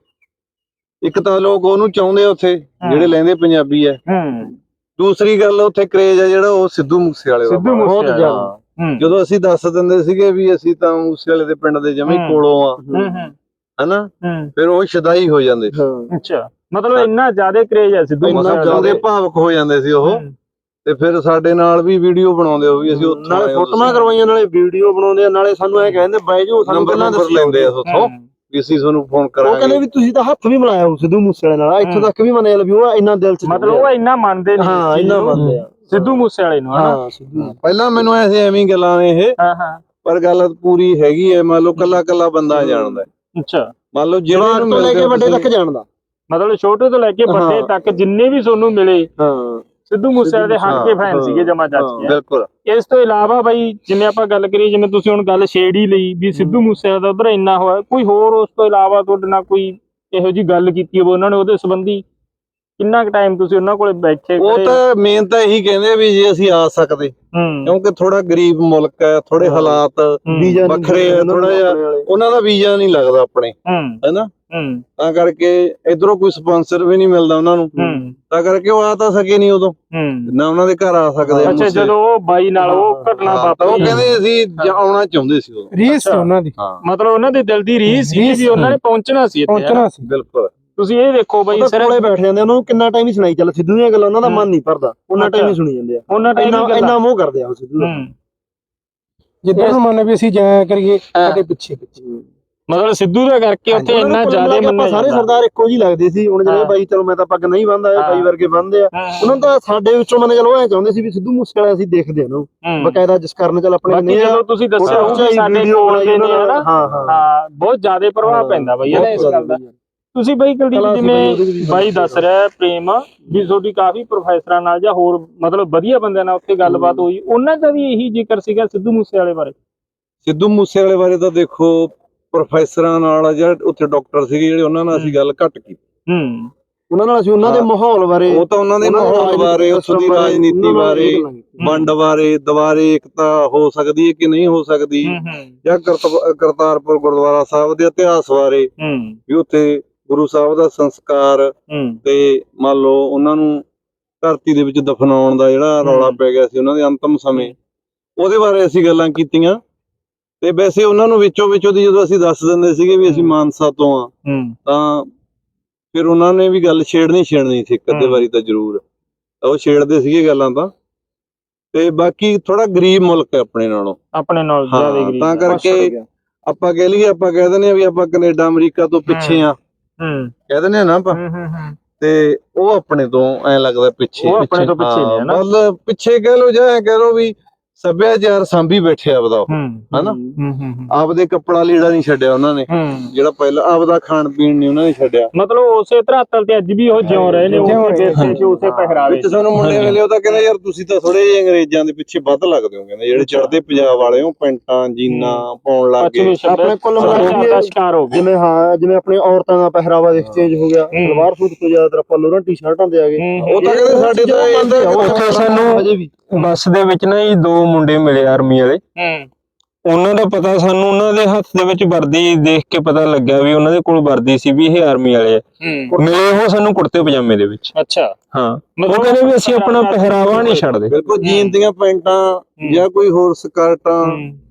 B: ਇੱਕ ਤਾਂ ਲੋਕ ਉਹਨੂੰ ਚਾਹੁੰਦੇ ਆ ਉੱਥੇ ਜਿਹੜੇ ਲੈਂਦੇ ਪੰਜਾਬੀ ਐ
A: ਹੂੰ
B: ਦੂਸਰੀ ਗੱਲ ਉੱਥੇ ਕਰੇਜ ਆ ਜਿਹੜਾ ਉਹ ਸਿੱਧੂ ਮੂਸੇਵਾਲੇ ਦਾ
A: ਸਿੱਧੂ
B: ਬਹੁਤ
A: ਮੂਸੇਵਾਲੇ
B: ਜ਼ਿਆਦਾ।
A: ਹੂੰ
B: ਜਦੋਂ ਅਸੀਂ ਦੱਸ ਦਿੰਦੇ ਸੀਗੇ ਵੀ ਅਸੀਂ ਤਾਂ ਮੂਸੇਵਾਲੇ ਦੇ ਪਿੰਡ ਦੇ ਜਮੇ
A: ਹੂੰ।
B: ਕੋਲੋਂ ਆ
A: ਹੂੰ ਹੂੰ
B: ਹਨਾ
A: ਹੂੰ
B: ਫਿਰ ਉਹ ਸ਼ਦਾਈ ਹੋ ਜਾਂਦੇ ਸੀ
C: ਹਾਂ
A: ਅੱਛਾ ਮਤਲਬ ਇੰਨਾ ਜ਼ਿਆਦਾ ਕਰੇਜ ਹੈ ਸਿੱਧੂ
C: ਇੰਨਾ
A: ਮੂਸੇਵਾਲੇ ਦਾ।
B: ਉਹਦੇ ਭਾਵਕ ਹੋ ਜਾਂਦੇ ਸੀ ਉਹ
A: ਹੂੰ।
B: ਤੇ ਫਿਰ ਸਾਡੇ ਨਾਲ ਵੀ ਵੀਡੀਓ ਬਣਾਉਂਦੇ ਹੋ ਵੀ ਅਸੀਂ ਉੱਥੋਂ
C: ਨਾਲੇ
B: ਆਏ ਹਾਂ,
C: ਫੋਟੋਆਂ ਕਰਵਾਈਆਂ ਨਾਲੇ ਵੀਡੀਓ ਬਣਾਉਂਦੇ ਆ ਨਾਲੇ ਸਾਨੂੰ ਐ ਕਹਿੰਦੇ ਬਾਈ ਜੀ ਸਾਨੂੰ
B: ਨੰਬਰ
C: ਪਹਿਲਾਂ
B: ਨੰਬਰ
C: ਦੱਸੀ
B: ਲੈਂਦੇ ਆ ਉੱਥੋਂ
A: ਹੂੰ।
B: ਵੀ ਅਸੀਂ ਤੁਹਾਨੂੰ ਫੋਨ
C: ਉਹ ਕਹਿੰਦੇ
B: ਕਰਾਂਗੇ
C: ਵੀ ਤੁਸੀਂ ਤਾਂ ਹੱਥ ਵੀ ਮਿਲਾਇਆ ਉਹ ਸਿੱਧੂ ਮੂਸੇਵਾਲੇ ਨਾਲ ਇੱਥੋਂ ਤੱਕ ਵੀ ਮੰਨੇ ਵੀ ਉਹ ਇੰਨਾ ਦਿਲ ਚ
A: ਮਤਲਬ ਉਹ ਇੰਨਾ ਮੰਨਦੇ ਨੇ
C: ਹਾਂ ਇੰਨਾ ਮੰਨਦੇ ਆ
A: ਸਿੱਧੂ ਮੂਸੇਵਾਲੇ ਨੂੰ ਹਨਾ
C: ਹਾਂ ਸਿੱਧੂ
B: ਪਹਿਲਾਂ ਮੈਨੂੰ ਐਸੇ ਐਵੇਂ ਹੀ ਗੱਲਾਂ ਨੇ ਇਹ
A: ਹਾਂ ਹਾਂ
B: ਪਰ ਗੱਲ ਪੂਰੀ ਹੈਗੀ ਹੈ ਮੰਨ ਲਓ ਕੱਲਾ ਕੱਲਾ ਬੰਦਾ ਜਾਣਦਾ ਹੈ।
A: ਅੱਛਾ
B: ਮੰਨ ਲਓ ਜਿਹੜੇ
C: ਜਵਾਨ
B: ਨੂੰ
C: ਤੋਂ ਲੈ
B: ਮਿਲਦੇ
C: ਕੇ
B: ਹੋ
C: ਵੱਡੇ
B: ਤੁਸੀਂ-
C: ਤੱਕ ਜਾਣਦਾ
A: ਮਤਲਬ ਛੋਟੇ ਤੋਂ ਲੈ ਕੇ ਵੱਡੇ
C: ਹਾਂ।
A: ਤੱਕ ਜਿੰਨੇ ਵੀ ਤੁਹਾਨੂੰ ਮਿਲੇ
C: ਹਾਂ
A: ਸਿੱਧੂ ਮੂਸੇਵਾਲੇ ਦੇ ਹੱਕ ਕੇ
B: ਹਾਂ,
A: ਫੈਨ
C: ਹਾਂ,
A: ਸੀਗੇ ਜਮਾ ਚੱਜ
C: ਹਾਂ,
A: ਕੇ
B: ਬਿਲਕੁਲ
A: ਇਸ ਤੋਂ ਇਲਾਵਾ ਬਾਈ ਜਿਵੇਂ ਆਪਾਂ ਗੱਲ ਕਰੀਏ ਜਿਵੇਂ ਤੁਸੀਂ ਹੁਣ ਗੱਲ ਛੇੜ ਹੀ ਲਈ ਵੀ ਸਿੱਧੂ ਮੂਸੇਵਾਲੇ ਦਾ ਉਧਰ ਇੰਨਾ ਹੋਇਆ ਕੋਈ ਹੋਰ ਉਸ ਤੋਂ ਇਲਾਵਾ ਤੁਹਾਡੇ ਨਾਲ ਕੋਈ ਇਹੋ ਜੀ ਗੱਲ ਕੀਤੀ ਹੋਵੇ ਉਹਨਾਂ ਨੇ ਉਹਦੇ ਸੰਬੰਧੀ ਕਿੰਨਾ ਕੁ ਟਾਈਮ ਤੁਸੀਂ ਉਹਨਾਂ ਕੋਲੇ ਬੈਠੇ
B: ਉਹ
A: ਖੜੇ?
B: ਤਾਂ ਮੇਨ ਤਾਂ ਇਹੀ ਕਹਿੰਦੇ ਆ ਵੀ ਜੇ ਅਸੀਂ ਆ ਸਕਦੇ
A: ਹੂੰ
B: ਕਿਉਂਕਿ ਥੋੜਾ ਗਰੀਬ ਮੁਲਕ ਹੈ ਥੋੜੇ
C: ਹਾਂ।
B: ਹਾਲਾਤ
C: ਵੀਜ਼ਾ ਨੀ
B: ਵੱਖਰੇ ਆ,
C: ਉਹਨਾਂ ਨੂੰ
B: ਥੋੜ੍ਹਾ ਜਿਹਾ।
C: ਆਪਣੇ ਵਾਲੇ।
B: ਉਹਨਾਂ ਦਾ ਵੀਜ਼ਾ ਨਹੀਂ ਲੱਗਦਾ ਆਪਣੇ
A: ਹੂੰ
B: ਹੈਨਾ
A: ਹੂੰ
B: ਤਾਂ ਕਰਕੇ ਇਧਰੋਂ ਕੋਈ ਸਪਾਂਸਰ ਵੀ ਨਹੀਂ ਮਿਲਦਾ ਉਹਨਾਂ ਨੂੰ
A: ਹੂੰ
B: ਤਾਂ ਕਰਕੇ ਉਹ ਆ ਤਾਂ ਸਕੇ ਨਹੀਂ ਉਦੋਂ
A: ਹੂੰ
B: ਨਾ ਉਹਨਾਂ ਦੇ ਘਰ ਆ ਸਕਦੇ ਆ
A: ਅੱਛਾ
B: ਮੂਸੇ।
A: ਜਦੋਂ ਉਹ ਬਾਈ ਨਾਲ ਉਹ ਘਟਨਾ
B: ਹਾਂ, ਤਾਂ ਉਹ
A: ਵਾਪਰੀ
B: ਕਹਿੰਦੇ ਅਸੀਂ ਜਾ- ਆਉਣਾ ਚਾਹੁੰਦੇ ਸੀ ਉਦੋਂ
E: ਰੀਸ
A: ਅੱਛਾ।
E: ਉਹਨਾਂ ਦੀ
B: ਹਾਂ
A: ਮਤਲਬ ਉਹਨਾਂ ਦੀ ਦਿਲ ਦੀ ਰੀਸ ਸੀ ਵੀ ਉਹਨਾਂ ਨੇ ਪਹੁੰਚਣਾ ਸੀ ਇੱਥੇ ਹਨਾ?
E: ਪਹੁੰਚਣਾ ਸੀ।
B: ਬਿਲਕੁਲ
A: ਤੁਸੀਂ ਇਹ ਦੇਖੋ ਬਾਈ
C: ਉਹ
A: ਸਰ
C: ਤਾਂ ਕੋਲੇ ਬੈਠ ਜਾਂਦੇ ਉਹਨਾਂ ਨੂੰ ਕਿੰਨਾ ਟਾਈਮ ਹੀ ਸੁਣਾਈ ਚੱਲ ਸਿੱਧੂ ਦੀਆਂ ਗੱਲਾਂ ਉਹਨਾਂ ਦਾ ਮਨ ਨਹੀਂ ਭਰਦਾ ਉਹਨਾਂ ਟਾਈਮ ਹੀ ਸੁਣੀ ਜਾਂਦੇ ਆ
A: ਉਹਨਾਂ ਟਾਈਮ
C: ਇੰਨਾ
A: ਹੀ ਗੱਲਾਂ
C: ਇੰਨਾ ਮੋਹ ਕਰਦੇ ਆ ਉਹ ਸਿੱਧੂ ਦਾ।
A: ਹੂੰ
E: ਜਿੱਦਾਂ ਨੂੰ ਮੰਨ ਵੀ ਅਸੀਂ ਜਾਇਆ ਕਰੀਏ ਕਦੇ ਪਿੱਛੇ ਪਿੱਛੇ
A: ਮਤਲਬ ਸਿੱਧੂ ਦਾ ਕਰਕੇ ਉੱਥੇ
C: ਉਹਨਾਂ ਨੂੰ
A: ਇੰਨਾ
C: ਕੁੱਲ
A: ਜ਼ਿਆਦਾ
C: ਮਿਲਾ ਕੇ ਆਪਾਂ
A: ਮੰਨਿਆ
C: ਸਾਰੇ
A: ਜਾਂਦਾ
C: ਸਰਦਾਰ ਇੱਕੋ ਜਿਹੀ ਲੱਗਦੇ ਸੀ ਹੁਣ ਜਿਹੜੇ
A: ਹਾਂ।
C: ਬਾਈ ਚਲੋ ਮੈਂ ਤਾਂ ਪੱਗ ਨਹੀਂ ਬੰਨਦਾ ਇਹ
A: ਹਾਂ।
C: ਬਾਈ ਵਰਗੇ ਬੰਨਦੇ ਆ
A: ਹਾਂ,
C: ਉਹਨਾਂ ਨੂੰ ਤਾਂ ਸਾਡੇ ਵਿੱਚੋਂ ਮੰਨ ਚਲੋ ਐ ਚਾਹੁੰਦੇ ਸੀ ਵੀ ਸਿੱਧੂ ਮੂਸੇਵਾਲਾ ਅਸੀਂ ਦੇਖਦੇ ਹਾਂ ਉਹਨੂੰ
A: ਹੂੰ।
C: ਬਕਾਇਦਾ ਜਿਸ ਕਾਰਨ ਚੱਲ ਆਪਣੇ
A: ਬਾਕੀ
C: ਨਹੀਂ ਆ
A: ਜਦੋਂ ਤੁਸੀਂ ਦੱਸਿਆ
C: ਫੋਟੋ
A: ਉਹ ਵੀ
C: ਖਿਚਾਈ,
A: ਸਾਡੇ
C: ਵੀਡੀਓ
A: ਕੋਲ
C: ਬਣਾਈ
A: ਦੇ ਨੇ
C: ਉਹਨਾਂ
A: ਹਨਾ
C: ਹਾਂ ਹਾਂ
A: ਹਾਂ ਬਹੁਤ ਜ਼ਿਆਦਾ ਪ੍ਰਭਾਵ ਪੈਂਦਾ ਬਾਈ ਇਹਦਾ ਇਸ ਗੱਲ ਦਾ ਤੁਸੀਂ ਬਾਈ ਕੁਲਦੀਪ
C: ਕਲਾ ਸੀ ਬਾਈ, ਉਹਦੇ
A: ਜਿਵੇਂ
C: ਵਿੱਚ ਵੀ
A: ਬਾਈ
C: ਬੜੀ
A: ਦੱਸ ਰਿਹਾ ਹੈ ਪ੍ਰੇਮ ਵੀ ਤੁਹਾਡੀ ਕਾਫੀ ਪ੍ਰੋਫੈਸਰਾਂ ਨਾਲ ਜਾਂ ਹੋਰ ਮਤਲਬ ਵਧੀਆ ਬੰਦਿਆਂ ਨਾਲ ਉੱਥੇ ਗੱਲਬਾਤ ਹੋਈ ਉਹਨਾਂ ਦਾ ਵੀ ਇਹੀ ਜ਼ਿਕਰ ਸੀਗਾ ਸਿੱਧੂ ਮੂਸੇਵਾਲੇ ਬਾਰੇ
B: ਸਿੱਧੂ ਮੂਸੇਵਾਲੇ ਬਾਰੇ ਤਾਂ ਦੇਖੋ ਪ੍ਰੋਫੈਸਰਾਂ ਨਾਲ ਜਾਂ ਉੱਥੇ ਡਾਕਟਰ ਸੀਗੇ ਜਿਹੜੇ ਉਹਨਾਂ ਨਾਲ ਅਸੀਂ ਗੱਲ ਘੱਟ ਕੀਤੀ
A: ਹੂੰ
C: ਉਹਨਾਂ ਨਾਲ ਅਸੀਂ ਉਹਨਾਂ ਦੇ
B: ਹਾਂ।
C: ਮਾਹੌਲ ਬਾਰੇ
B: ਉਹ ਤਾਂ ਉਹਨਾਂ ਦੇ
C: ਉਹਨਾਂ ਦੇ
B: ਮਾਹੌਲ
C: ਰਾਜਨੀਤਿਕ
B: ਬਾਰੇ ਉੱਥੋਂ ਦੀ
C: ਸਿਸਟਮ ਬਾਰੇ,
B: ਰਾਜਨੀਤੀ
C: ਉਹਨਾਂ ਨਾਲ
B: ਬਾਰੇ
C: ਇਹ ਗੱਲਾਂ ਕੀਤੀਆਂ।
B: ਵੰਡ ਬਾਰੇ ਦੁਬਾਰੇ ਇਕਤਾ ਹੋ ਸਕਦੀ ਹੈ ਕਿ ਨਹੀਂ ਹੋ ਸਕਦੀ
A: ਹੂੰ ਹੂੰ
B: ਜਾਂ ਕਰਤ- ਕਰਤਾਰਪੁਰ ਗੁਰਦੁਆਰਾ ਸਾਹਿਬ ਦੇ ਇਤਿਹਾਸ ਬਾਰੇ
A: ਹੂੰ
B: ਵੀ ਉੱਥੇ ਗੁਰੂ ਸਾਹਿਬ ਦਾ ਸੰਸਕਾਰ
A: ਹੂੰ
B: ਤੇ ਮੰਨ ਲਓ ਉਹਨਾਂ ਨੂੰ ਧਰਤੀ ਦੇ ਵਿੱਚ ਦਫਨਾਉਣ ਦਾ ਜਿਹੜਾ ਰੌਲਾ ਪੈ ਗਿਆ ਸੀ ਉਹਨਾਂ ਦੇ ਅੰਤਮ ਸਮੇਂ ਉਹਦੇ ਬਾਰੇ ਅਸੀਂ ਗੱਲਾਂ ਕੀਤੀਆਂ ਤੇ ਵੈਸੇ ਉਹਨਾਂ ਨੂੰ ਵਿੱਚੋਂ ਵਿੱਚੋਂ ਦੀ ਜਦੋਂ ਅਸੀਂ ਦੱਸ ਦਿੰਦੇ ਸੀਗੇ ਵੀ ਅਸੀਂ ਮਾਨਸਾ ਤੋਂ ਆ
A: ਹੂੰ
B: ਤਾਂ ਫਿਰ ਉਹਨਾਂ ਨੇ ਵੀ ਗੱਲ ਛੇੜਨੀ ਛੇੜਨੀ ਸੀ ਇੱਕ ਅੱਧੇ
A: ਹੂੰ।
B: ਵਾਰੀ ਤਾਂ ਜ਼ਰੂਰ ਉਹ ਛੇੜਦੇ ਸੀਗੇ ਗੱਲਾਂ ਤਾਂ। ਤੇ ਬਾਕੀ ਥੋੜਾ ਗਰੀਬ ਮੁਲਕ ਹੈ ਆਪਣੇ ਨਾਲੋਂ,
A: ਆਪਣੇ ਨਾਲ
B: ਹਾਂ,
A: ਜ਼ਿਆਦਾ ਗਰੀਬ
B: ਤਾਂ ਕਰਕੇ ਆਪਾਂ ਕਹਿ ਲਈਏ, ਆਪਾਂ ਕਹਿ ਦਿੰਦੇ ਆ ਵੀ ਆਪਾਂ ਕੈਨੇਡਾ ਅਮਰੀਕਾ ਤੋਂ ਪਿੱਛੇ ਆ,
A: ਹੂੰ
B: ਕਹਿ ਦਿੰਦੇ ਆ ਨਾ ਆਪਾਂ,
A: ਹੂੰ ਹੂੰ ਹੂੰ
B: ਤੇ ਉਹ ਆਪਣੇ ਤੋਂ ਐ ਲੱਗਦਾ ਪਿੱਛੇ,
A: ਉਹ ਆਪਣੇ ਤੋਂ ਪਿੱਛੇ ਨੇ, ਹਨਾ?
B: ਮਤਲਬ ਪਿੱਛੇ ਕਹਿ ਲੋ ਜਾਂ ਐ ਕਹਿ ਲੋ ਵੀ ਸੱਭਿਆਚਾਰ ਸਾਂਭੀ ਬੈਠੇ ਆਪਦਾ ਉਹ,
A: ਹੂੰ
B: ਹਨਾ?
A: ਹੂੰ ਹੂੰ
B: ਆਪਦੇ ਕੱਪੜਾ ਲੀੜਾ ਨਹੀਂ ਛੱਡਿਆ ਉਹਨਾਂ ਨੇ,
A: ਹੂੰ
B: ਜਿਹੜਾ ਪਹਿਲਾਂ ਆਪਦਾ ਖਾਣ ਪੀਣ ਨਹੀਂ ਉਹਨਾਂ ਨੇ ਛੱਡਿਆ।
A: ਮਤਲਬ ਉਸੇ ਧਰਾਤਲ ਤੇ ਅੱਜ ਵੀ ਉਹ ਜਿਉਂ ਰਹੇ ਨੇ, ਉਸੇ ਵਿਰਸੇ ਚ, ਉਸੇ ਪਹਿਰਾਵੇ
B: ਵਿੱਚ ਸਾਨੂੰ ਮੁੰਡੇ ਵੇਲੇ ਉਹ ਤਾਂ ਕਹਿੰਦੇ ਯਾਰ ਤੁਸੀਂ ਤਾਂ ਥੋੜੇ ਜਿਹੇ ਅੰਗਰੇਜ਼ਾਂ ਦੇ ਪਿੱਛੇ ਵੱਧ ਲੱਗਦੇ ਹੋ, ਕਹਿੰਦੇ ਜਿਹੜੇ ਚੜ੍ਹਦੇ ਪੰਜਾਬ ਵਾਲੇ ਉਹ ਪੈਂਟਾਂ ਜੀਨਾਂ ਪਾਉਣ ਲੱਗ ਗਏ।
C: ਆਪਣੇ ਕੁੱਲ
A: ਸੱਭਿਆਚਾਰ ਦਾ ਸ਼ਿਕਾਰ ਹੋ ਗਏ।
C: ਜਿਵੇਂ ਹਾਂ ਜਿਵੇਂ ਆਪਣੇ ਔਰਤਾਂ ਦਾ ਪਹਿਰਾਵਾ ਦੇਖ ਚੇਂਜ ਹੋ ਗਿਆ, ਸਲਵਾਰ ਸੂਟ ਤੋਂ ਜ਼ਿਆਦਾਤਰ ਆਪਾਂ ਲੋਰਾਂ ਟੀ-ਸ਼ਰਟਾਂ ਤੇ ਆ ਗਏ।
B: ਉਹ ਤਾਂ ਕਹਿੰਦੇ ਸਾਡੇ ਤਾਂ ਇਹਦਾ
D: ਉੱਥੇ ਸਾਨੂੰ
C: ਅਜੇ ਵੀ
D: ਬੱਸ ਦੇ ਵਿੱਚ ਨਾ ਜੀ ਦੋ ਮੁੰਡੇ ਮਿਲੇ ਆਰਮੀ ਵਾਲੇ,
A: ਹੂੰ
D: ਉਹਨਾਂ ਦਾ ਪਤਾ ਸਾਨੂੰ ਉਹਨਾਂ ਦੇ ਹੱਥ ਦੇ ਵਿੱਚ ਵਰਦੀ ਦੇਖ ਕੇ ਪਤਾ ਲੱਗਿਆ ਵੀ ਉਹਨਾਂ ਦੇ ਕੋਲ ਵਰਦੀ ਸੀ, ਵੀ ਇਹ ਆਰਮੀ ਵਾਲੇ ਆ।
A: ਹੂੰ
D: ਮਿਲੇ ਉਹ ਸਾਨੂੰ ਕੁੜਤੇ ਪਜਾਮੇ ਦੇ ਵਿੱਚ।
A: ਅੱਛਾ,
D: ਹਾਂ, ਉਹ ਕਹਿੰਦੇ ਵੀ ਅਸੀਂ ਆਪਣਾ ਪਹਿਰਾਵਾ ਨਹੀਂ ਛੱਡਦੇ।
B: ਬਿਲਕੁਲ ਜੀਨ ਦੀਆਂ ਪੈਂਟਾਂ ਜਾਂ ਕੋਈ ਹੋਰ ਸਕਰਟਾਂ,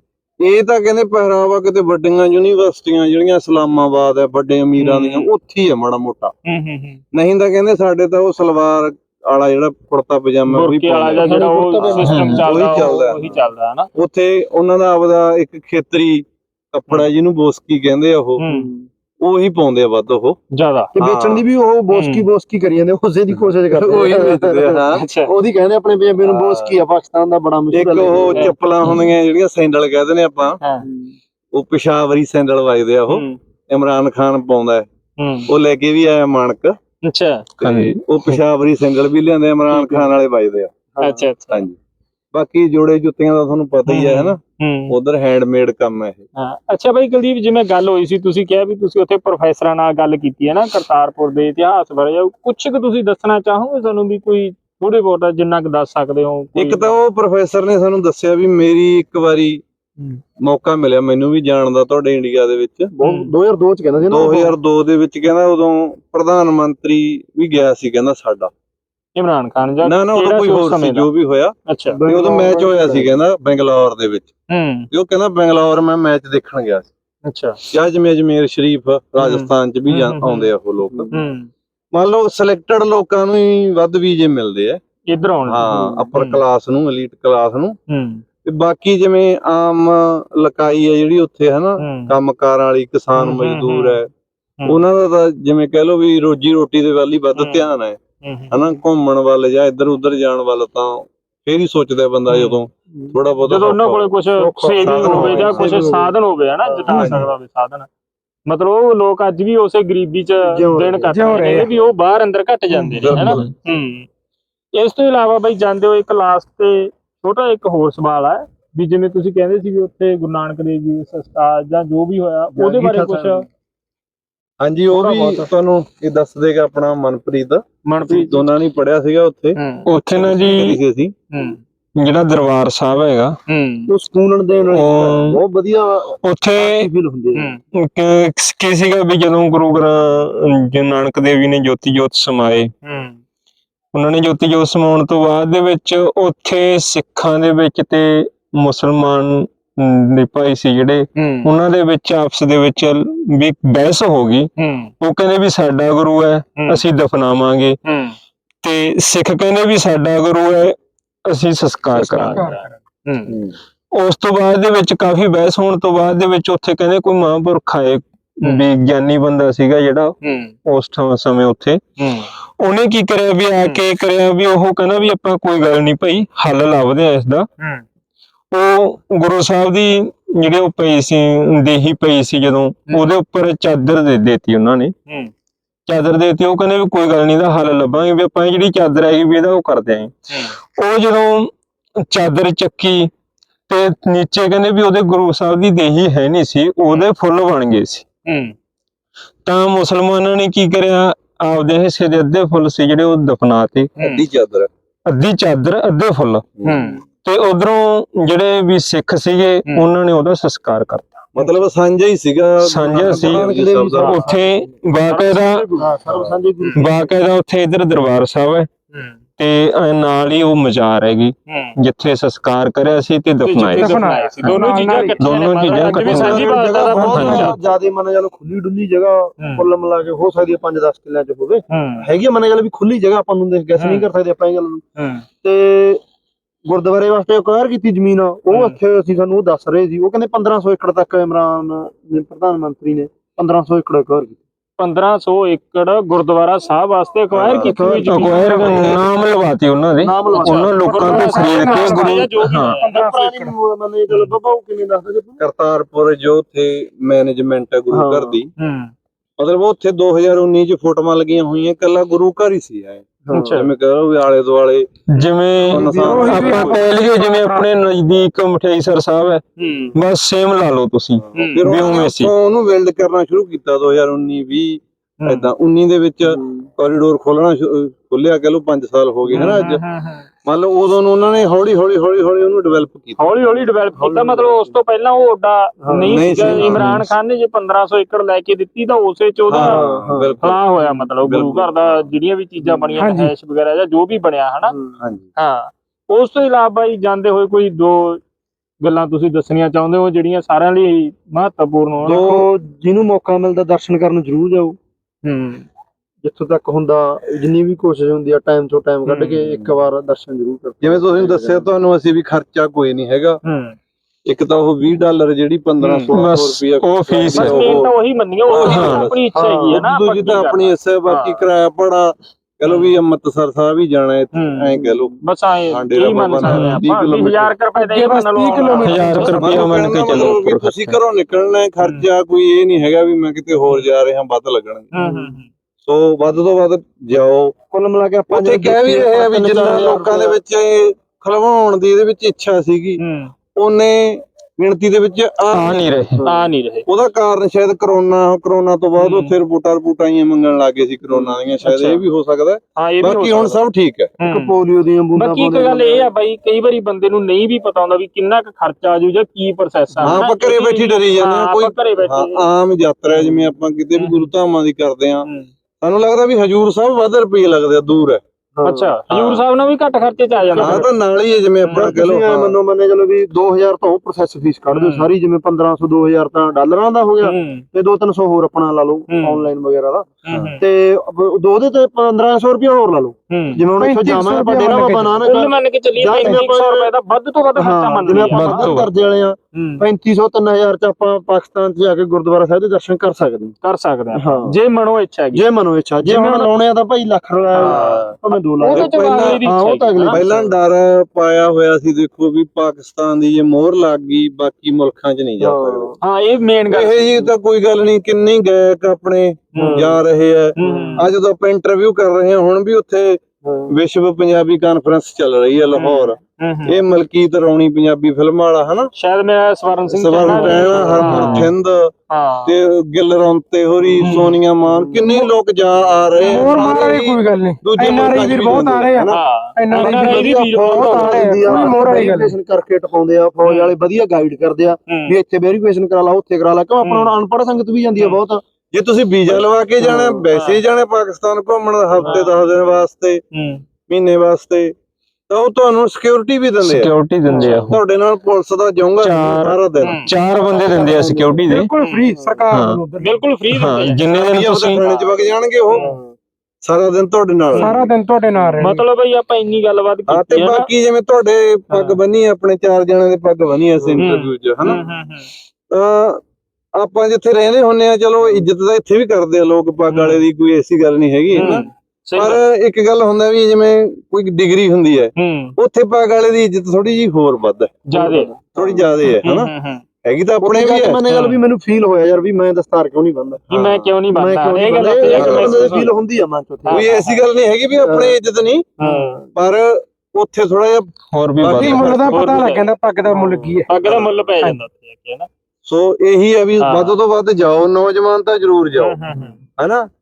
B: ਇਹ ਤਾਂ ਕਹਿੰਦੇ ਪਹਿਰਾਵਾ ਕਿਤੇ ਵੱਡੀਆਂ ਯੂਨੀਵਰਸਿਟੀਆਂ ਜਿਹੜੀਆਂ ਇਸਲਾਮਾਬਾਦ ਹੈ ਵੱਡੇ ਅਮੀਰਾਂ ਦੀਆਂ, ਉੱਥੇ ਹੀ ਆ ਮਾੜਾ ਮੋਟਾ,
A: ਹੂੰ ਹੂੰ ਹੂੰ
B: ਨਹੀਂ ਤਾਂ ਕਹਿੰਦੇ ਸਾਡੇ ਤਾਂ ਉਹ ਸਲਵਾਰ ਵਾਲਾ ਜਿਹੜਾ ਕੁੜਤਾ ਪਜਾਮਾ ਉਹੀ
A: ਬੁਰਕੇ ਵਾਲਾ
B: ਪਾਉਂਦੇ।
A: ਜਿਹੜਾ ਉਹ ਸਿਸਟਮ ਚੱਲਦਾ,
B: ਉਹੀ ਚੱਲਦਾ।
A: ਉਹੀ ਚੱਲਦਾ, ਹਨਾ?
B: ਉੱਥੇ ਉਹਨਾਂ ਦਾ ਆਪਦਾ ਇੱਕ ਖੇਤਰੀ ਕੱਪੜਾ ਜਿਹਨੂੰ ਬੋਸਕੀ ਕਹਿੰਦੇ ਆ, ਉਹ
A: ਹੂੰ
B: ਉਹੀ ਪਾਉਂਦੇ ਆ ਵੱਧ ਉਹ,
A: ਜ਼ਿਆਦਾ।
C: ਤੇ ਵੇਚਣ ਦੀ ਵੀ ਉਹ ਬੋਸਕੀ ਬੋਸਕੀ ਕਰੀ ਜਾਂਦੇ, ਉਸੇ ਦੀ ਕੋਸ਼ਿਸ਼ ਕਰਦੇ
B: ਉਹੀ ਵੇਚਦੇ ਆ। ਹਾਂ,
A: ਅੱਛਾ,
C: ਉਹਦੀ ਕਹਿੰਦੇ ਆਪਣੇ ਪੰਜਾਬੀ ਨੂੰ ਬੋਸਕੀ ਆ, ਪਾਕਿਸਤਾਨ ਦਾ ਬੜਾ ਮਸ਼ਹੂਰ
B: ਇੱਕ ਉਹ ਚੱਪਲਾਂ ਹੁੰਦੀਆਂ ਜਿਹੜੀਆਂ ਸੈਂਡਲ ਕਹਿੰਦੇ ਨੇ ਆਪਾਂ,
A: ਹਾਂ
B: ਉਹ ਪਿਸ਼ਾਵਰੀ ਸੈਂਡਲ ਵੱਜਦੇ ਆ, ਉਹ
A: ਹੂੰ
B: ਇਮਰਾਨ ਖਾਨ ਪਾਉਂਦਾ ਹੈ,
A: ਹੂੰ
B: ਉਹ ਲੈ ਕੇ ਵੀ ਆਇਆ ਮਾਨਕ।
A: ਅੱਛਾ
B: ਤੇ ਉਹ ਪਿਸ਼ਾਵਰੀ ਸੈਂਡਲ ਵੀ ਲਿਆਂਦੇ ਇਮਰਾਨ ਖਾਨ ਵਾਲੇ ਵੱਜਦੇ ਆ।
A: ਅੱਛਾ ਅੱਛਾ
B: ਹਾਂਜੀ, ਬਾਕੀ ਜੋੜੇ ਜੁੱਤੀਆਂ ਦਾ ਤੁਹਾਨੂੰ ਪਤਾ ਹੀ ਹੈ, ਹਨਾ?
A: ਹੂੰ
B: ਉਧਰ ਹੈਂਡਮੇਡ ਕੰਮ ਹੈ ਇਹ।
A: ਹਾਂ, ਅੱਛਾ ਬਾਈ ਕੁਲਦੀਪ, ਜਿਵੇਂ ਗੱਲ ਹੋਈ ਸੀ, ਤੁਸੀਂ ਕਿਹਾ ਵੀ ਤੁਸੀਂ ਉੱਥੇ ਪ੍ਰੋਫੈਸਰਾਂ ਨਾਲ ਗੱਲ ਕੀਤੀ ਹੈ ਨਾ ਕਰਤਾਰਪੁਰ ਦੇ ਇਤਿਹਾਸ ਬਾਰੇ, ਕੁਛ ਕੁ ਤੁਸੀਂ ਦੱਸਣਾ ਚਾਹੋਗੇ ਸਾਨੂੰ, ਵੀ ਕੋਈ ਥੋੜੇ ਬਹੁਤ ਜਿੰਨਾ ਕੁ ਦੱਸ ਸਕਦੇ ਹੋ?
B: ਇੱਕ ਤਾਂ ਉਹ ਪ੍ਰੋਫੈਸਰ ਨੇ ਸਾਨੂੰ ਦੱਸਿਆ ਵੀ ਮੇਰੀ ਇੱਕ ਵਾਰੀ ਮੌਕਾ ਮਿਲਿਆ ਮੈਨੂੰ ਵੀ ਜਾਣ ਦਾ ਤੁਹਾਡੇ ਇੰਡੀਆ ਦੇ ਵਿੱਚ,
C: ਦੋ ਹਜ਼ਾਰ ਦੋ ਚ ਕਹਿੰਦਾ ਸੀ ਨਾ,
B: ਦੋ ਹਜ਼ਾਰ ਦੋ ਦੇ ਵਿੱਚ, ਕਹਿੰਦਾ ਉਦੋਂ ਪ੍ਰਧਾਨ ਮੰਤਰੀ ਵੀ ਗਿਆ ਸੀ, ਕਹਿੰਦਾ ਸਾਡਾ।
A: ਇਮਰਾਨ ਖਾਨ ਜਾਂ
B: ਨਾ ਨਾ ਉਦੋਂ ਕੋਈ ਹੋਰ ਸੀ, ਜੋ ਵੀ ਹੋਇਆ।
A: ਅੱਛਾ,
B: ਤੇ ਉਦੋਂ ਮੈਚ ਹੋਇਆ ਸੀ ਕਹਿੰਦਾ ਬੰਗਲੌਰ ਦੇ ਵਿੱਚ,
A: ਹੂੰ
B: ਤੇ ਉਹ ਕਹਿੰਦਾ ਬੰਗਲੌਰ ਮੈਂ ਮੈਚ ਦੇਖਣ ਗਿਆ ਸੀ।
A: ਅੱਛਾ,
B: ਜਾਂ ਜਿਵੇਂ ਅਜਮੇਰ ਸ਼ਰੀਫ ਰਾਜਸਥਾਨ ਚ ਵੀ ਜਾਂ- ਆਉਂਦੇ ਆ ਉਹ ਲੋਕ,
A: ਹੂੰ
B: ਮੰਨ ਲਓ ਸਿਲੈਕਟਡ ਲੋਕਾਂ ਨੂੰ ਹੀ ਵੱਧ ਵੀਜ਼ੇ ਮਿਲਦੇ ਆ,
A: ਇੱਧਰ ਆਉਣ
B: ਹਾਂ, ਅਪਰ ਕਲਾਸ ਨੂੰ, ਐਲੀਟ ਕਲਾਸ ਨੂੰ।
A: ਹੂੰ
B: ਤੇ ਬਾਕੀ ਜਿਵੇਂ ਆਮ ਲਕਾਈ ਹੈ ਜਿਹੜੀ ਉੱਥੇ, ਹਨਾ, ਕੰਮਕਾਰਾਂ ਵਾਲੀ, ਕਿਸਾਨ ਮਜ਼ਦੂਰ ਹੈ, ਉਹਨਾਂ ਦਾ ਤਾਂ ਜਿਵੇਂ ਕਹਿ ਲਓ ਵੀ ਰੋਜੀ ਰੋਟੀ ਦੇ ਵੱਲ ਹੀ ਵੱਧ ਧਿਆਨ ਹੈ, ਹਨਾ? ਘੁੰਮਣ ਵੱਲ ਜਾਂ ਇੱਧਰ ਉੱਧਰ ਜਾਣ ਵੱਲ ਤਾਂ ਫੇਰ ਹੀ ਸੋਚਦਾ ਬੰਦਾ ਜਦੋਂ ਥੋੜਾ ਬਹੁਤ,
A: ਜਦੋਂ ਉਹਨਾਂ ਕੋਲੇ ਕੁਝ ਸੇਵਿੰਗ ਹੋਵੇ ਜਾਂ ਕੁਝ ਸਾਧਨ ਹੋਵੇ, ਹਨਾ, ਜਤਾ ਸਕਦਾ ਹੋਵੇ ਸਾਧਨ। ਮਤਲਬ ਉਹ ਲੋਕ ਅੱਜ ਵੀ ਉਸੇ ਗਰੀਬੀ ਚ ਦਿਨ ਕੱਟ ਰਹੇ ਨੇ, ਵੀ ਉਹ ਬਾਹਰ ਅੰਦਰ ਘਟ ਜਾਂਦੇ ਨੇ, ਹਨਾ? ਹੂੰ ਇਸ ਤੋਂ ਇਲਾਵਾ ਬਾਈ ਜਾਂਦੇ ਹੋ, ਇੱਕ ਲਾਸਟ ਤੇ ਛੋਟਾ ਇੱਕ ਹੋਰ ਸਵਾਲ ਹੈ, ਵੀ ਜਿਵੇਂ ਤੁਸੀਂ ਕਹਿੰਦੇ ਸੀ ਵੀ ਉੱਥੇ ਗੁਰੂ ਨਾਨਕ ਦੇਵ ਜੀ ਸੰਸਥਾ ਜਾਂ ਜੋ ਵੀ ਹੋਇਆ, ਉਹਦੇ ਬਾਰੇ ਕੁਝ?
B: ਹਾਂਜੀ, ਉਹ ਵੀ ਤੁਹਾਨੂੰ ਇਹ ਦੱਸ ਦੇਗਾ ਆਪਣਾ ਮਨਪ੍ਰੀਤ।
A: ਮਨਪ੍ਰੀਤ
B: ਦੋਨਾਂ ਨੇ ਪੜਿਆ ਸੀਗਾ ਉੱਥੇ।
D: ਉੱਥੇ ਨਾ ਜੀ
B: ਅਸੀਂ
D: ਜਿਹੜਾ ਦਰਬਾਰ ਸਾਹਿਬ ਹੈਗਾ,
C: ਉਹ ਸਕੂਨ ਦੇ ਨਾਲ ਬਹੁਤ ਵਧੀਆ
D: ਉੱਥੇ
C: ਫੀਲ ਹੁੰਦੀ ਹੈ।
D: ਕੀ ਸੀਗਾ ਵੀ ਜਦੋਂ ਗੁਰੂ ਗ੍ਰੰਥ ਨਾਨਕ ਦੇਵ ਜੀ ਨੇ ਜੋਤੀ ਜੋਤ ਸਮਾਏ, ਉਹਨਾਂ ਨੇ ਜੋਤੀ ਜੋਤ ਸਮਾਉਣ ਤੋਂ ਬਾਅਦ ਦੇ ਵਿੱਚ ਉੱਥੇ ਸਿੱਖਾਂ ਦੇ ਵਿੱਚ ਤੇ ਮੁਸਲਮਾਨ ਦੇ ਭਾਈ ਸੀ ਜਿਹੜੇ, ਉਹਨਾਂ ਦੇ ਵਿੱਚ ਆਪਸ ਦੇ ਵਿੱਚ ਵੀ ਬਹਿਸ ਹੋ ਗਈ। ਉਹ ਕਹਿੰਦੇ ਵੀ ਸਾਡਾ ਗੁਰੂ ਹੈ, ਅਸੀਂ ਦਫਨਾਵਾਂਗੇ, ਤੇ ਸਿੱਖ ਕਹਿੰਦੇ ਵੀ ਸਾਡਾ ਗੁਰੂ ਹੈ, ਅਸੀਂ ਸੰਸਕਾਰ ਕਰਾਂਗੇ। ਉਸ ਤੋਂ ਬਾਅਦ ਦੇ ਵਿੱਚ ਕਾਫੀ ਬਹਿਸ ਹੋਣ ਤੋਂ ਬਾਅਦ ਦੇ ਵਿੱਚ ਉੱਥੇ ਕਹਿੰਦੇ ਕੋਈ ਮਹਾਂਪੁਰਖ ਆਏ, ਵੀ ਗਿਆਨੀ ਬੰਦਾ ਸੀਗਾ ਜਿਹੜਾ ਉਸ ਸਮੇਂ ਉੱਥੇ, ਉਹਨੇ ਕੀ ਕਰਿਆ ਵੀ ਆ ਕੇ ਕਰਿਆ ਵੀ ਉਹ ਕਹਿੰਦਾ ਵੀ ਆਪਾਂ ਕੋਈ ਗੱਲ ਨਹੀਂ ਭਾਈ, ਹੱਲ ਲੱਭਦੇ ਆ ਇਸ ਦਾ। ਉਹ ਗੁਰੂ ਸਾਹਿਬ ਦੀ ਜਿਹੜੇ ਉਹ ਪਈ ਸੀ, ਦੇਹੀ ਪਈ ਸੀ ਜਦੋਂ, ਉਹਦੇ ਉੱਪਰ ਚਾਦਰ ਦੇ ਦਿੱਤੀ ਉਹਨਾਂ ਨੇ, ਚਾਦਰ ਦੇਤੀ। ਉਹ ਕਹਿੰਦੇ ਵੀ ਕੋਈ ਗੱਲ ਨਹੀਂ, ਦਾ ਹੱਲ ਲੱਭਾਂਗੇ, ਵੀ ਆਪਾਂ ਜਿਹੜੀ ਚਾਦਰ ਹੈਗੀ ਵੀ ਇਹਦਾ ਉਹ ਕਰਦੇ ਆਂ। ਉਹ ਜਦੋਂ ਚਾਦਰ ਚੱਕੀ ਤੇ ਨੀਚੇ ਕਹਿੰਦੇ ਵੀ ਉਹਦੇ ਗੁਰੂ ਸਾਹਿਬ ਦੀ ਦੇਹੀ ਹੈ ਨਹੀਂ ਸੀ, ਉਹਦੇ ਫੁੱਲ ਬਣ ਗਏ ਸੀ। ਤਾਂ ਮੁਸਲਮਾਨਾਂ ਨੇ ਕੀ ਕਰਿਆ, ਆਪਦੇ ਹਿੱਸੇ ਦੇ ਅੱਧੇ ਫੁੱਲ ਸੀ ਜਿਹੜੇ ਉਹ ਦਫਨਾ ਤੇ,
B: ਅੱਧੀ ਚਾਦਰ
D: ਅੱਧੀ ਚਾਦਰ ਅੱਧੇ ਫੁੱਲ, ਤੇ ਉਧਰੋਂ ਜਿਹੜੇ ਵੀ ਸਿੱਖ ਸੀਗੇ ਉਹਨਾਂ ਨੇ ਉਹਦਾ ਸੰਸਕਾਰ ਕਰਤਾ।
B: ਮਤਲਬ ਸਾਂਝਾ ਹੀ ਸੀਗਾ,
D: ਸਾਂਝਾ ਸੀ ਉੱਥੇ। ਬਾਕਾਇਦਾ ਬਾਕਾਇਦਾ ਉੱਥੇ ਇੱਧਰ ਦਰਬਾਰ ਸਾਹਿਬ ਹੈ, ਤੇ ਅਹ ਨਾਲ ਹੀ ਉਹ ਮਜ਼ਾਰ ਹੈਗੀ ਜਿੱਥੇ ਸੰਸਕਾਰ ਕਰਿਆ ਸੀ ਤੇ ਦਫਨਾਇਆ ਸੀ।
A: ਦਫਨਾਏ ਸੀ ਦੋਨੋਂ ਚੀਜ਼ਾਂ ਇਕੱਠੀਆਂ
D: ਦੋਨੋਂ
A: ਨੇ,
D: ਚੀਜ਼ਾਂ
A: ਅੱਜ ਵੀ
D: ਇਕੱਠੀਆਂ
A: ਸਾਂਝੀ
C: ਜਗ੍ਹਾ
A: ਭਾਸ਼ਾ ਦਾ
C: ਬਹੁਤ
A: ਬਹੁਤ
C: ਜ਼ਿਆਦਾ ਮੰਨ ਚਲੋ ਖੁੱਲੀ ਡੁੱਲੀ ਜਗ੍ਹਾ ਕੁੱਲ ਮਿਲਾ ਕੇ ਹੋ ਸਕਦੀ ਹੈ ਪੰਜ ਦਸ ਕਿੱਲਿਆਂ ਚ ਹੋਵੇ,
A: ਹੂੰ
C: ਹੈਗੀ ਆ ਮੰਨ ਚਲੋ ਵੀ ਖੁੱਲੀ ਜਗ੍ਹਾ ਆਪਾਂ ਨੂੰ ਦੇਖ ਗੈਸ ਨਹੀਂ ਕਰ ਸਕਦੇ ਆਪਾਂ ਇਹ ਗੱਲ ਨੂੰ।
A: ਹੂੰ
C: ਤੇ ਗੁਰਦੁਆਰੇ ਵਾਸਤੇ ਅਕਵਾਇਰ ਕੀਤੀ ਜ਼ਮੀਨ ਆ, ਉਹ ਇੱਥੇ ਅਸੀਂ ਸਾਨੂੰ ਉਹ ਦੱਸ ਰਹੇ ਸੀ, ਉਹ ਕਹਿੰਦੇ ਪੰਦਰਾਂ ਸੌ ਏਕੜ ਤੱਕ ਇਮਰਾਨ ਨੇ ਪ੍ਰਧਾਨ ਮੰਤਰੀ ਨੇ ਪੰਦਰਾਂ ਸੌ ਏਕੜ ਅਕਵਾਇਰ ਕੀਤੀ।
A: ਪੰਦਰਾਂ ਸੌ ਏਕੜ ਗੁਰਦੁਆਰਾ ਸਾਹਿਬ ਵਾਸਤੇ ਅਕਵਾਇਰ ਕੀਤੀ ਹੋਈ ਜ਼ਮੀਨ।
D: ਅਕਵਾਇਰ ਨਾਮ ਲਵਾਤੀ ਉਹਨਾਂ ਦੇ,
C: ਨਾਮ ਲਵਾਤੀ।
D: ਉਹਨਾਂ ਲੋਕਾਂ ਤੋਂ ਖਰੀਦ ਕੇ ਗੁਰੂ ਹਾਂ
C: ਮੰਨੇ ਚਲੋ ਬਾਬਾ ਉਹ ਕਿਵੇਂ ਦੱਸਦਾ ਜੀ?
B: ਕਰਤਾਰਪੁਰ ਜੋ ਉੱਥੇ ਮੈਨੇਜਮੈਂਟ ਹੈ ਗੁਰੂ ਘਰ ਦੀ,
A: ਹੂੰ
B: ਮਤਲਬ ਉੱਥੇ ਦੋ ਹਜ਼ਾਰ ਉੱਨੀ ਚ ਫੋਟੋਆਂ ਲੱਗੀਆਂ ਹੋਈਆਂ, ਕੱਲਾ ਗੁਰੂ ਘਰ ਹੀ ਸੀ ਐ। ਜਿਵੇਂ ਕਹ ਲਓ ਵੀ ਆਲੇ ਦੁਆਲੇ
D: ਜਿਵੇਂ ਆਪਾਂ ਕਹਿ ਲਈਏ ਜਿਵੇਂ ਆਪਣੇ ਨਜ਼ਦੀਕ ਮਠਿਆਈਸਰ ਸਾਹਿਬ ਹੈ, ਬਸ ਸੇਮ ਲਾ ਲਓ ਤੁਸੀਂ
B: ਫਿਰ
D: ਵੀ ਉਵੇਂ ਸੀ।
B: ਉਹਨੂੰ ਬਿਲਡ ਕਰਨਾ ਸ਼ੁਰੂ ਕੀਤਾ ਦੋ ਹਜ਼ਾਰ ਉੱਨੀ ਵੀਹ ਏਦਾਂ। ਉੱਨੀ ਦੇ ਵਿੱਚ ਕੋਰੀਡੋਰ ਖੋਲਣਾ ਖੁੱਲਿਆ, ਕਹ ਲਓ ਪੰਜ ਸਾਲ ਹੋ ਗਏ ਹਨਾ ਅੱਜ। ਮੰਨ ਲਓ ਉਦੋਂ ਨੂੰ ਉਹਨਾਂ ਨੇ ਹੌਲੀ ਹੌਲੀ ਹੌਲੀ ਹੌਲੀ ਉਹਨੂੰ ਡਿਵੈਲਪ ਕੀਤਾ,
A: ਹੌਲੀ ਹੌਲੀ ਡਿਵੈਲਪ ਕੀਤਾ। ਮਤਲਬ ਉਸ ਤੋਂ ਪਹਿਲਾਂ ਉਹ ਓਡਾ ਨਹੀਂ ਸੀਗਾ। ਇਮਰਾਨ ਖਾਨ ਨੇ ਜੇ ਪੰਦਰਾਂ ਸੌ ਏਕੜ ਲੈ ਕੇ ਦਿੱਤੀ ਤਾਂ ਉਸੇ ਚ ਉਹਦਾ ਫਲਾ ਹੋਇਆ, ਮਤਲਬ ਗੁਰੂ ਘਰ ਦਾ ਜਿਹੜੀਆਂ ਵੀ ਚੀਜ਼ਾਂ ਬਣੀਆਂ ਹੈਸ਼ ਵਗੈਰਾ ਜਾਂ ਜੋ ਵੀ ਬਣਿਆ ਹਨਾ। ਹਾਂ, ਉਸ ਤੋਂ ਇਲਾਵਾ ਬਾਈ ਜਾਂਦੇ ਹੋਏ ਕੋਈ ਦੋ ਗੱਲਾਂ ਤੁਸੀਂ ਦੱਸਣੀਆਂ ਚਾਹੁੰਦੇ ਹੋ ਜਿਹੜੀਆਂ ਸਾਰਿਆਂ ਲਈ ਮਹੱਤਵਪੂਰਨ ਹੋਣ?
C: ਦੇਖੋ, ਜਿਹਨੂੰ ਮੌਕਾ ਮਿਲਦਾ ਦਰਸ਼ਨ ਕਰਨ ਜ਼ਰੂਰ ਜਾਓ,
A: ਹੂੰ
C: ਜਿੱਥੋਂ ਤੱਕ ਹੁੰਦਾ ਜਿੰਨੀ ਵੀ ਕੋਸ਼ਿਸ਼ ਹੁੰਦੀ ਆ ਟਾਈਮ ਤੋਂ ਟਾਈਮ ਕੱਢ ਕੇ ਇੱਕ ਵਾਰ ਦਰਸ਼ਨ ਜ਼ਰੂਰ ਕਰੋ।
B: ਜਿਵੇਂ ਤੁਸੀਂ ਦੱਸਿਆ ਤੁਹਾਨੂੰ ਅਸੀਂ ਵੀ ਖਰਚਾ ਕੋਈ ਨਹੀਂ ਹੈਗਾ। ਇੱਕ ਤਾਂ ਉਹ ਵੀਹ ਡਾਲਰ ਜਿਹੜੀ ਪੰਦਰਾਂ ਸੌ ਰੁਪਇਆ
D: ਉਹ ਫੀਸ
A: ਬਸ ਮੇਨ ਤਾਂ ਉਹੀ ਮੰਨੀਓ, ਆਪਣੀ ਇੱਛਾ ਹੈਗੀ ਹੈ ਨਾ।
B: ਦੂਜੀ ਤਾਂ ਆਪਣੀ ਇੱਛਾ, ਬਾਕੀ ਕਿਰਾਇਆ ਭਾੜਾ ਕਹ ਲਓ ਵੀ ਅੰਮ੍ਰਿਤਸਰ ਸਾਹਿਬ ਹੀ ਜਾਣਾ ਐ ਕਹ ਲਓ,
A: ਬਸ ਐਂ ਕੀ ਮੰਨ ਸਕਦੇ ਆਪਾਂ ਵੀ ਹਜ਼ਾਰ ਰੁਪਏ ਦਾ ਹੀ ਮੰਨ ਲਓ,
D: ਹਜ਼ਾਰ ਰੁਪਇਆ ਮੰਨ ਕੇ ਚੱਲੋ
B: ਵੀ ਤੁਸੀਂ ਘਰੋਂ ਨਿਕਲਣਾ ਖਰਚਾ ਕੋਈ ਇਹ ਨਹੀਂ ਹੈਗਾ ਵੀ ਮੈਂ ਕਿਤੇ ਹੋਰ ਜਾ ਰਿਹਾ ਵੱਧ ਲੱਗਣਗੇ। ਸੋ ਵੱਧ ਤੋਂ ਵੱਧ ਜਾਓ।
C: ਕੁੱਲ ਮਿਲਾ ਕੇ ਆਪਾਂ
B: ਉੱਥੇ ਕਹਿ ਵੀ ਰਹੇ ਆ ਵੀ ਜਿੰਨਾ ਲੋਕਾਂ ਦੇ ਵਿੱਚ ਖਲਵਾਉਣ ਦੀ ਇਹਦੇ ਵਿੱਚ ਇੱਛਾ ਸੀਗੀ, ਉਹਨੇ ਗਿਣਤੀ ਦੇ ਵਿੱਚ ਆ
D: ਨਹੀਂ ਰਹੇ
A: ਆ ਨਹੀਂ ਰਹੇ।
B: ਉਹਦਾ ਕਾਰਨ ਸ਼ਾਇਦ ਕਰੋਨਾ ਕਰੋਨਾ ਤੋਂ ਬਾਅਦ ਉੱਥੇ ਰਿਪੋਰਟਾਂ ਰਿਪੋਰਟਾਂ ਹੀ ਮੰਗਣ ਲੱਗੇ ਸੀ ਕਰੋਨਾ ਦੀਆਂ, ਸ਼ਾਇਦ ਇਹ ਵੀ ਹੋ ਸਕਦਾ। ਬਾਕੀ ਹੁਣ ਸਭ ਠੀਕ ਹੈ।
C: ਇੱਕ ਪੋਲੀਓ ਦੀਆਂ ਬੂੰਦਾਂ।
A: ਬਾਕੀ ਇੱਕ ਗੱਲ ਇਹ ਆ ਬਾਈ, ਕਈ ਵਾਰੀ ਬੰਦੇ ਨੂੰ ਨਹੀਂ ਵੀ ਪਤਾ ਹੁੰਦਾ ਵੀ ਕਿੰਨਾ ਕੁ ਖਰਚਾ ਆ ਜੂ ਜਾਂ ਕੀ ਪ੍ਰੋਸੈਸ ਆ।
B: ਹਾਂ, ਆਪਾਂ ਘਰੇ ਬੈਠੀ ਡਰੀ ਜਾਂਦੇ ਆ। ਕੋਈ ਆਮ ਯਾਤਰਾ ਜਿਵੇਂ ਆਪਾਂ ਕਿਤੇ ਵੀ ਗੁਰੂ ਧਾਮਾਂ ਦੀ ਕਰਦੇ ਆ, ਸਾਨੂੰ ਲੱਗਦਾ ਵੀ ਹਜੂਰ ਸਾਹਿਬ ਵੱਧ ਰੁਪਏ ਲੱਗਦੇ ਆ, ਦੂਰ ਹੈ।
A: ਅੱਛਾ, ਹਜੂਰ ਸਾਹਿਬ ਨਾਲ ਵੀ ਘੱਟ ਖਰਚੇ ਚ ਆ ਜਾਂਦਾ।
B: ਹਾਂ, ਤਾਂ ਨਾਲ ਹੀ ਹੈ। ਜਿਵੇਂ ਆਪਾਂ ਕਹ ਲਓ
C: ਮੰਨੋ ਮੰਨੇ ਚਲੋ ਵੀ ਦੋ ਹਜ਼ਾਰ ਤਾਂ ਉਹ ਪ੍ਰੋਸੈਸ ਫੀਸ ਕੱਢ ਦਿਓ ਸਾਰੀ, ਜਿਵੇਂ ਪੰਦਰਾਂ ਸੌ ਦੋ ਹਜ਼ਾਰ ਤਾਂ ਡਾਲਰਾਂ ਦਾ ਹੋ ਗਿਆ ਤੇ ਦੋ ਤਿੰਨ ਸੌ ਹੋਰ ਆਪਣਾ ਲਾ ਲਓ ਆਨਲਾਈਨ ਵਗੈਰਾ ਦਾ, ਤੇ ਦੋ ਦੇ ਤੇ ਪੰਦਰਾਂ ਸੌ ਰੁਪਇਆ ਹੋਰ ਲਾ ਲਓ। ਜਿਵੇਂ ਹੁਣ ਇੱਥੋਂ ਜਾਵਾਂਗੇ ਆਪਾਂ ਡੇਰਾ ਬਾਬਾ ਨਾਨਕ,
A: ਕੁੱਲ ਮੰਨ ਕੇ ਚੱਲੀਏ ਪੈਂਤੀ ਸੌ ਰੁਪਏ ਦਾ ਵੱਧ ਤੋਂ ਵੱਧ ਖਰਚਾ ਮੰਨ
C: ਜਿਵੇਂ ਆਪਾਂ ਵੱਧ ਕਰਜ਼ੇ ਵਾਲੇ ਆ, ਪੈਂਤੀ ਸੌ ਤਿੰਨ ਹਜ਼ਾਰ ਚ ਆਪਾਂ ਪਾਕਿਸਤਾਨ ਚ ਜਾ ਕੇ ਗੁਰਦੁਆਰਾ ਸਾਹਿਬ ਦੇ ਦਰਸ਼ਨ ਕਰ ਸਕਦੇ
A: ਕਰ ਸਕਦੇ ਹਾਂ, ਜੇ ਮਨੋ ਇੱਛਾ ਹੈਗੀ।
C: ਜੇ ਮਨੋ ਇੱਛਾ, ਜੇ ਹੁਣ ਲਾਉਣੇ ਆ ਤਾਂ ਭਾਈ ਲੱਖ ਰੁਪਇਆ ਭਾਵੇਂ ਦੋ ਲੱਖ।
B: ਪਹਿਲਾਂ ਡਰ ਪਾਇਆ ਹੋਇਆ ਸੀ, ਦੇਖੋ ਵੀ ਪਾਕਿਸਤਾਨ ਦੀ ਜੇ ਮੋਹਰ ਲੱਗ ਗਈ ਬਾਕੀ ਮੁਲਕਾਂ 'ਚ ਨਹੀਂ ਜਾ ਸਕਦੇ।
A: ਹਾਂ, ਇਹ ਮੇਨ ਗੱਲ।
B: ਇਹ ਜੀ ਤਾਂ ਕੋਈ ਗੱਲ ਨਹੀਂ, ਕਿੰਨੇ ਗਾਇਕ ਆਪਣੇ ਜਾ ਰਹੇ ਆ। ਅੱਜ ਜਦੋਂ ਆਪਾਂ ਇੰਟਰਵਿਊ ਕਰ ਰਹੇ ਹਾਂ, ਹੁਣ ਵੀ ਉੱਥੇ ਵਿਸ਼ਵ ਪੰਜਾਬੀ ਕਾਨਫਰੰਸ ਚੱਲ ਰਹੀ ਹੈ ਲਾਹੌਰ। ਇਹ ਮਲਕੀਤ ਰੌਣੀ ਪੰਜਾਬੀ ਫਿਲਮ ਵਾਲਾ ਹਨਾ,
A: ਸ਼ਾਇਦ ਮੈਂ ਸਵਰਨ ਸਿੰਘ
B: ਸਵਰਨ ਟਹਿਣਾ, ਹਰਮਨ ਥਿੰਦ ਤੇ ਗਿੱਲ ਰੌਂਤੇ ਹੋਰੀ, ਸੋਨੀਆ ਮਾਨ, ਕਿੰਨੇ ਲੋਕ ਜਾ ਆ ਰਹੇ ਆ।
E: ਕੋਈ ਗੱਲ ਨਹੀਂ,
B: ਦੂਜੇ ਮੁਲਕਾਂ 'ਚ ਵੀ
E: ਬਹੁਤ ਆ ਰਹੇ ਆ।
C: ਵੈਰੀਫਿਕੇਸ਼ਨ ਕਰਕੇ ਟਪਾਉਂਦੇ ਆ, ਫੌਜ ਵਾਲੇ ਵਧੀਆ ਗਾਈਡ ਕਰਦੇ ਆ ਵੀ ਇੱਥੇ ਵੈਰੀਫਿਕੇਸ਼ਨ ਕਰਾ ਲਾ, ਉੱਥੇ ਕਰਾ ਲਾ, ਕਿਉਂ ਆਪਣਾ ਹੁਣ ਅਨਪੜ੍ਹ ਸੰਗਤ ਵੀ ਜਾਂਦੀ ਆ ਬਹੁਤ।
B: ਜੇ ਤੁਸੀਂ ਵੀਜ਼ਾ ਲਵਾ ਕੇ ਜਾਣਾ, ਵੈਸੇ ਹੀ ਜਾਣਾ ਪਾਕਿਸਤਾਨ ਘੁੰਮਣ ਹਫ਼ਤੇ ਦਸ ਦਿਨ ਵਾਸਤੇ, ਮਹੀਨੇ ਵਾਸਤੇ, ਤਾਂ ਉਹ ਤੁਹਾਨੂੰ ਸਿਕਿਉਰਿਟੀ ਵੀ ਦਿੰਦੇ ਆ।
D: ਸਿਕਿਉਰਿਟੀ ਦਿੰਦੇ ਆ,
B: ਤੁਹਾਡੇ ਨਾਲ ਪੁਲਿਸ ਦਾ ਜਾਊਗਾ ਸਾਰਾ ਦਿਨ।
D: ਚਾਰ ਬੰਦੇ ਦਿੰਦੇ ਆ ਸਿਕਿਉਰਿਟੀ ਦੇ,
E: ਬਿਲਕੁਲ ਫ੍ਰੀ ਸਰਕਾਰ ਵੱਲੋਂ,
A: ਬਿਲਕੁਲ ਫ੍ਰੀ ਦਿੰਦੇ ਆ।
D: ਜਿੰਨੇ ਦਿਨ ਤੁਸੀਂ
B: ਥਾਣੇ 'ਚ ਵਗ ਜਾਣਗੇ ਉਹ ਸਾਰਾ ਦਿਨ ਤੁਹਾਡੇ ਨਾਲ,
E: ਸਾਰਾ ਦਿਨ ਤੁਹਾਡੇ ਨਾਲ ਰਹੇ।
A: ਮਤਲਬ ਬਈ ਆਪਾਂ ਇੰਨੀ ਗੱਲਬਾਤ ਕੀਤੀ
B: ਤੇ ਬਾਕੀ ਜਿਵੇਂ ਤੁਹਾਡੇ ਪੱਗ ਬੰਨੀ, ਆਪਣੇ ਚਾਰ ਜਣਿਆਂ ਦੇ ਪੱਗ ਬੰਨੀ ਇਸ ਇੰਟਰਵਿਊ 'ਚ ਹਨਾ, ਤਾਂ ਆਪਾਂ ਜਿੱਥੇ ਰਹਿੰਦੇ ਹੁੰਨੇ ਆ, ਚਲੋ ਇੱਜ਼ਤ ਤਾਂ ਇੱਥੇ ਵੀ ਕਰਦੇ ਆ ਲੋਕ ਪੱਗ ਵਾਲੇ ਦੀ, ਕੋਈ ਐਸੀ ਗੱਲ ਨਹੀਂ ਹੈਗੀ ਹਨਾ। ਪਰ ਇੱਕ ਗੱਲ ਹੁੰਦਾ ਵੀ ਜਿਵੇਂ ਕੋਈ ਡਿਗਰੀ ਹੁੰਦੀ ਹੈ, ਉੱਥੇ ਪੱਗ ਵਾਲੇ ਦੀ ਇੱਜ਼ਤ ਥੋੜੀ ਜਿਹੀ ਹੋਰ ਵੱਧ ਹੈ,
A: ਜ਼ਿਆਦੇ
B: ਥੋੜੀ ਜ਼ਿਆਦੇ ਹੈ ਹਨਾ। ਹੈਗੀ ਤਾਂ ਆਪਣੇ ਵੀ ਹੈ।
C: ਮੈਨੇ ਗੱਲ ਵੀ ਮੈਨੂੰ ਫੀਲ ਹੋਇਆ ਯਾਰ ਵੀ ਮੈਂ ਦਸਤਾਰ ਕਿਉਂ ਨਹੀਂ ਬੰਨਦਾ,
A: ਵੀ ਮੈਂ ਕਿਉਂ ਨਹੀਂ ਬੰਨਦਾ, ਇਹ ਗੱਲ
C: ਫੀਲ ਹੁੰਦੀ ਆ ਮਨ ਚ।
B: ਕੋਈ ਐਸੀ ਗੱਲ ਨਹੀਂ ਹੈਗੀ ਵੀ ਆਪਣੀ ਇੱਜ਼ਤ ਨਹੀਂ, ਪਰ ਉੱਥੇ ਥੋੜਾ ਜਿਹਾ
D: ਹੋਰ ਵੀ
E: ਬਾਕੀ ਮੁੱਲ ਦਾ ਪਤਾ ਲੱਗ ਜਾਂਦਾ, ਪੱਗ ਦਾ ਮੁੱਲ ਕੀ ਹੈ,
A: ਪੱਗ ਦਾ ਮੁੱਲ ਪੈ ਜਾਂਦਾ ਉੱਥੇ, ਹਨਾ।
B: ਸੋ ਇਹੀ ਹੈ ਵੀ ਵੱਧ ਤੋਂ ਵੱਧ ਜਾਓ, ਨੌਜਵਾਨ ਤਾਂ ਜ਼ਰੂਰ ਜਾਓ ਹਨਾ।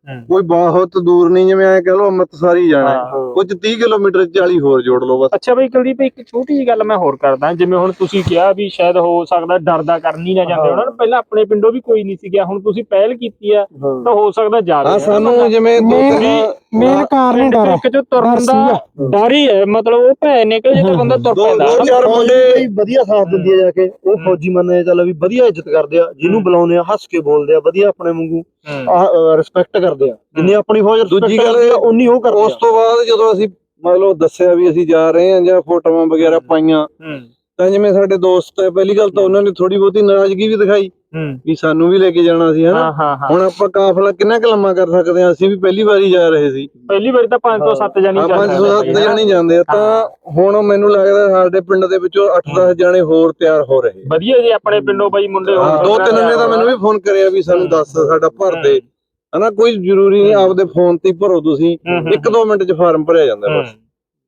B: ਕੋਈ ਬਹੁਤ ਦੂਰ ਨਹੀਂ, ਜਿਵੇਂ ਐ ਕਹ ਲਓ ਅੰਮ੍ਰਿਤਸਰ ਹੀ ਜਾਣਾ ਹੈ,
A: ਹਾਂ।
B: ਕੁਝ ਤੀਹ ਕਿਲੋਮੀਟਰ ਚਾਲੀ ਹੋਰ ਜੋੜ ਲਓ ਬਸ।
A: ਅੱਛਾ ਬਈ ਕੁਲਦੀਪ, ਇੱਕ ਛੋਟੀ ਜਿਹੀ ਗੱਲ ਮੈਂ ਹੋਰ ਕਰਦਾ, ਜਿਵੇਂ ਹੁਣ ਤੁਸੀਂ ਕਿਹਾ ਵੀ ਸ਼ਾਇਦ ਹੋ ਸਕਦਾ ਡਰਦਾ ਕਰਨ ਹੀ ਨਾ ਜਾਂਦੇ ਉਹਨਾਂ ਨੂੰ, ਪਹਿਲਾਂ ਆਪਣੇ ਪਿੰਡੋਂ ਵੀ ਕੋਈ ਨਹੀਂ ਸੀ ਗਿਆ, ਹੁਣ ਤੁਸੀਂ ਪਹਿਲ ਕੀਤੀ ਆ ਤਾਂ ਹੋ ਸਕਦਾ ਜਾਵੇ।
B: ਹਾਂ ਸਾਨੂੰ ਜਿਵੇਂ ਦੋ
E: ਮੇਨ
B: ਤਿੰਨ
E: ਮੇਨ ਕਾਰਨ ਹੀ ਡਰ
A: ਇੱਕ ਜੋ ਤੁਰਨ ਦਾ ਡਰ ਹੀ ਹੈ, ਮਤਲਬ ਉਹ ਭੈ ਨਿਕਲ ਜੇ ਤਾਂ ਬੰਦਾ ਤੁਰ
B: ਦੋ
A: ਪੈਂਦਾ।
B: ਦੋ ਚਾਰ ਮੁੰਡੇ
C: ਬਈ ਵਧੀਆ ਸਾਥ ਦਿੰਦੀ ਆ ਜਾ ਕੇ, ਉਹ ਫੌਜੀ ਮੰਨੇ ਚੱਲ ਵੀ ਵਧੀਆ ਇੱਜ਼ਤ ਕਰਦੇ ਆ, ਜਿਹਨੂੰ ਬੁਲਾਉਂਦੇ ਆ ਹੱਸ ਕੇ ਬੋਲਦੇ ਆ, ਵਧੀਆ ਆਪਣੇ ਵਾਂਗੂ ਰਿਸਪੈਕਟ ਕਰਦੇ ਆ, ਜਿੰਨੀ ਆਪਣੀ ਫੌਜ
B: ਦੂਜੀ ਗੱਲ
C: ਉਨੀ ਉਹ ਕਰਦੇ
B: ਉਸ ਤੋਂ ਬਾਅਦ ਜਦੋਂ ਅਸੀਂ ਮਤਲਬ ਦੱਸਿਆ ਵੀ ਅਸੀਂ ਜਾ ਰਹੇ ਹਾਂ ਜਾਂ ਫੋਟੋਆਂ ਵਗੈਰਾ ਪਾਈਆਂ, ਤਾਂ ਜਿਵੇਂ ਸਾਡੇ ਦੋਸਤ ਹੈ, ਪਹਿਲੀ ਗੱਲ ਤਾਂ ਉਹਨਾਂ ਨੇ ਥੋੜੀ ਬਹੁਤੀ ਨਾਰਾਜ਼ਗੀ ਵੀ ਦਿਖਾਈ ਵੀ ਸਾਨੂੰ ਵੀ ਲੈ ਕੇ ਜਾਣਾ ਸੀ ਹਨਾ। ਹੁਣ ਆਪਾਂ ਕਾਫਲਾ ਕਿੰਨਾ ਕੁ ਲੰਮਾ ਕਰ ਸਕਦੇ ਹਾਂ, ਅਸੀਂ ਵੀ ਪਹਿਲੀ ਵਾਰੀ ਜਾ ਰਹੇ ਸੀ,
A: ਪਹਿਲੀ ਵਾਰੀ ਤਾਂ ਪੰਜ ਤੋਂ ਸੱਤ ਜਾਣੀ
B: ਹਾਂ ਪੰਜ ਸੌ ਸੱਤ ਜਾਣੇ ਜਾਂਦੇ ਆ, ਤਾਂ ਹੁਣ ਮੈਨੂੰ ਲੱਗਦਾ ਸਾਡੇ ਪਿੰਡ ਦੇ ਵਿੱਚੋਂ ਅੱਠ ਦਸ ਜਾਣੇ ਹੋਰ ਤਿਆਰ ਹੋ ਰਹੇ।
A: ਵਧੀਆ ਜੀ, ਆਪਣੇ ਪਿੰਡੋਂ ਬਾਈ ਮੁੰਡੇ
B: ਹਾਂ, ਦੋ ਤਿੰਨ ਨੇ ਤਾਂ ਮੈਨੂੰ ਵੀ ਫੋਨ ਕਰਿਆ ਵੀ ਸਾਨੂੰ ਦੱਸ ਸਾਡਾ ਭਰ ਦੇ ਹਨਾ, ਕੋਈ ਜ਼ਰੂਰੀ ਨਹੀਂ ਆਪਦੇ ਫੋਨ ਤੇ ਹੀ ਭਰੋ, ਤੁਸੀਂ ਇੱਕ ਦੋ ਮਿੰਟ ਚ ਫਾਰਮ ਭਰਿਆ ਜਾਂਦਾ ਬਸ,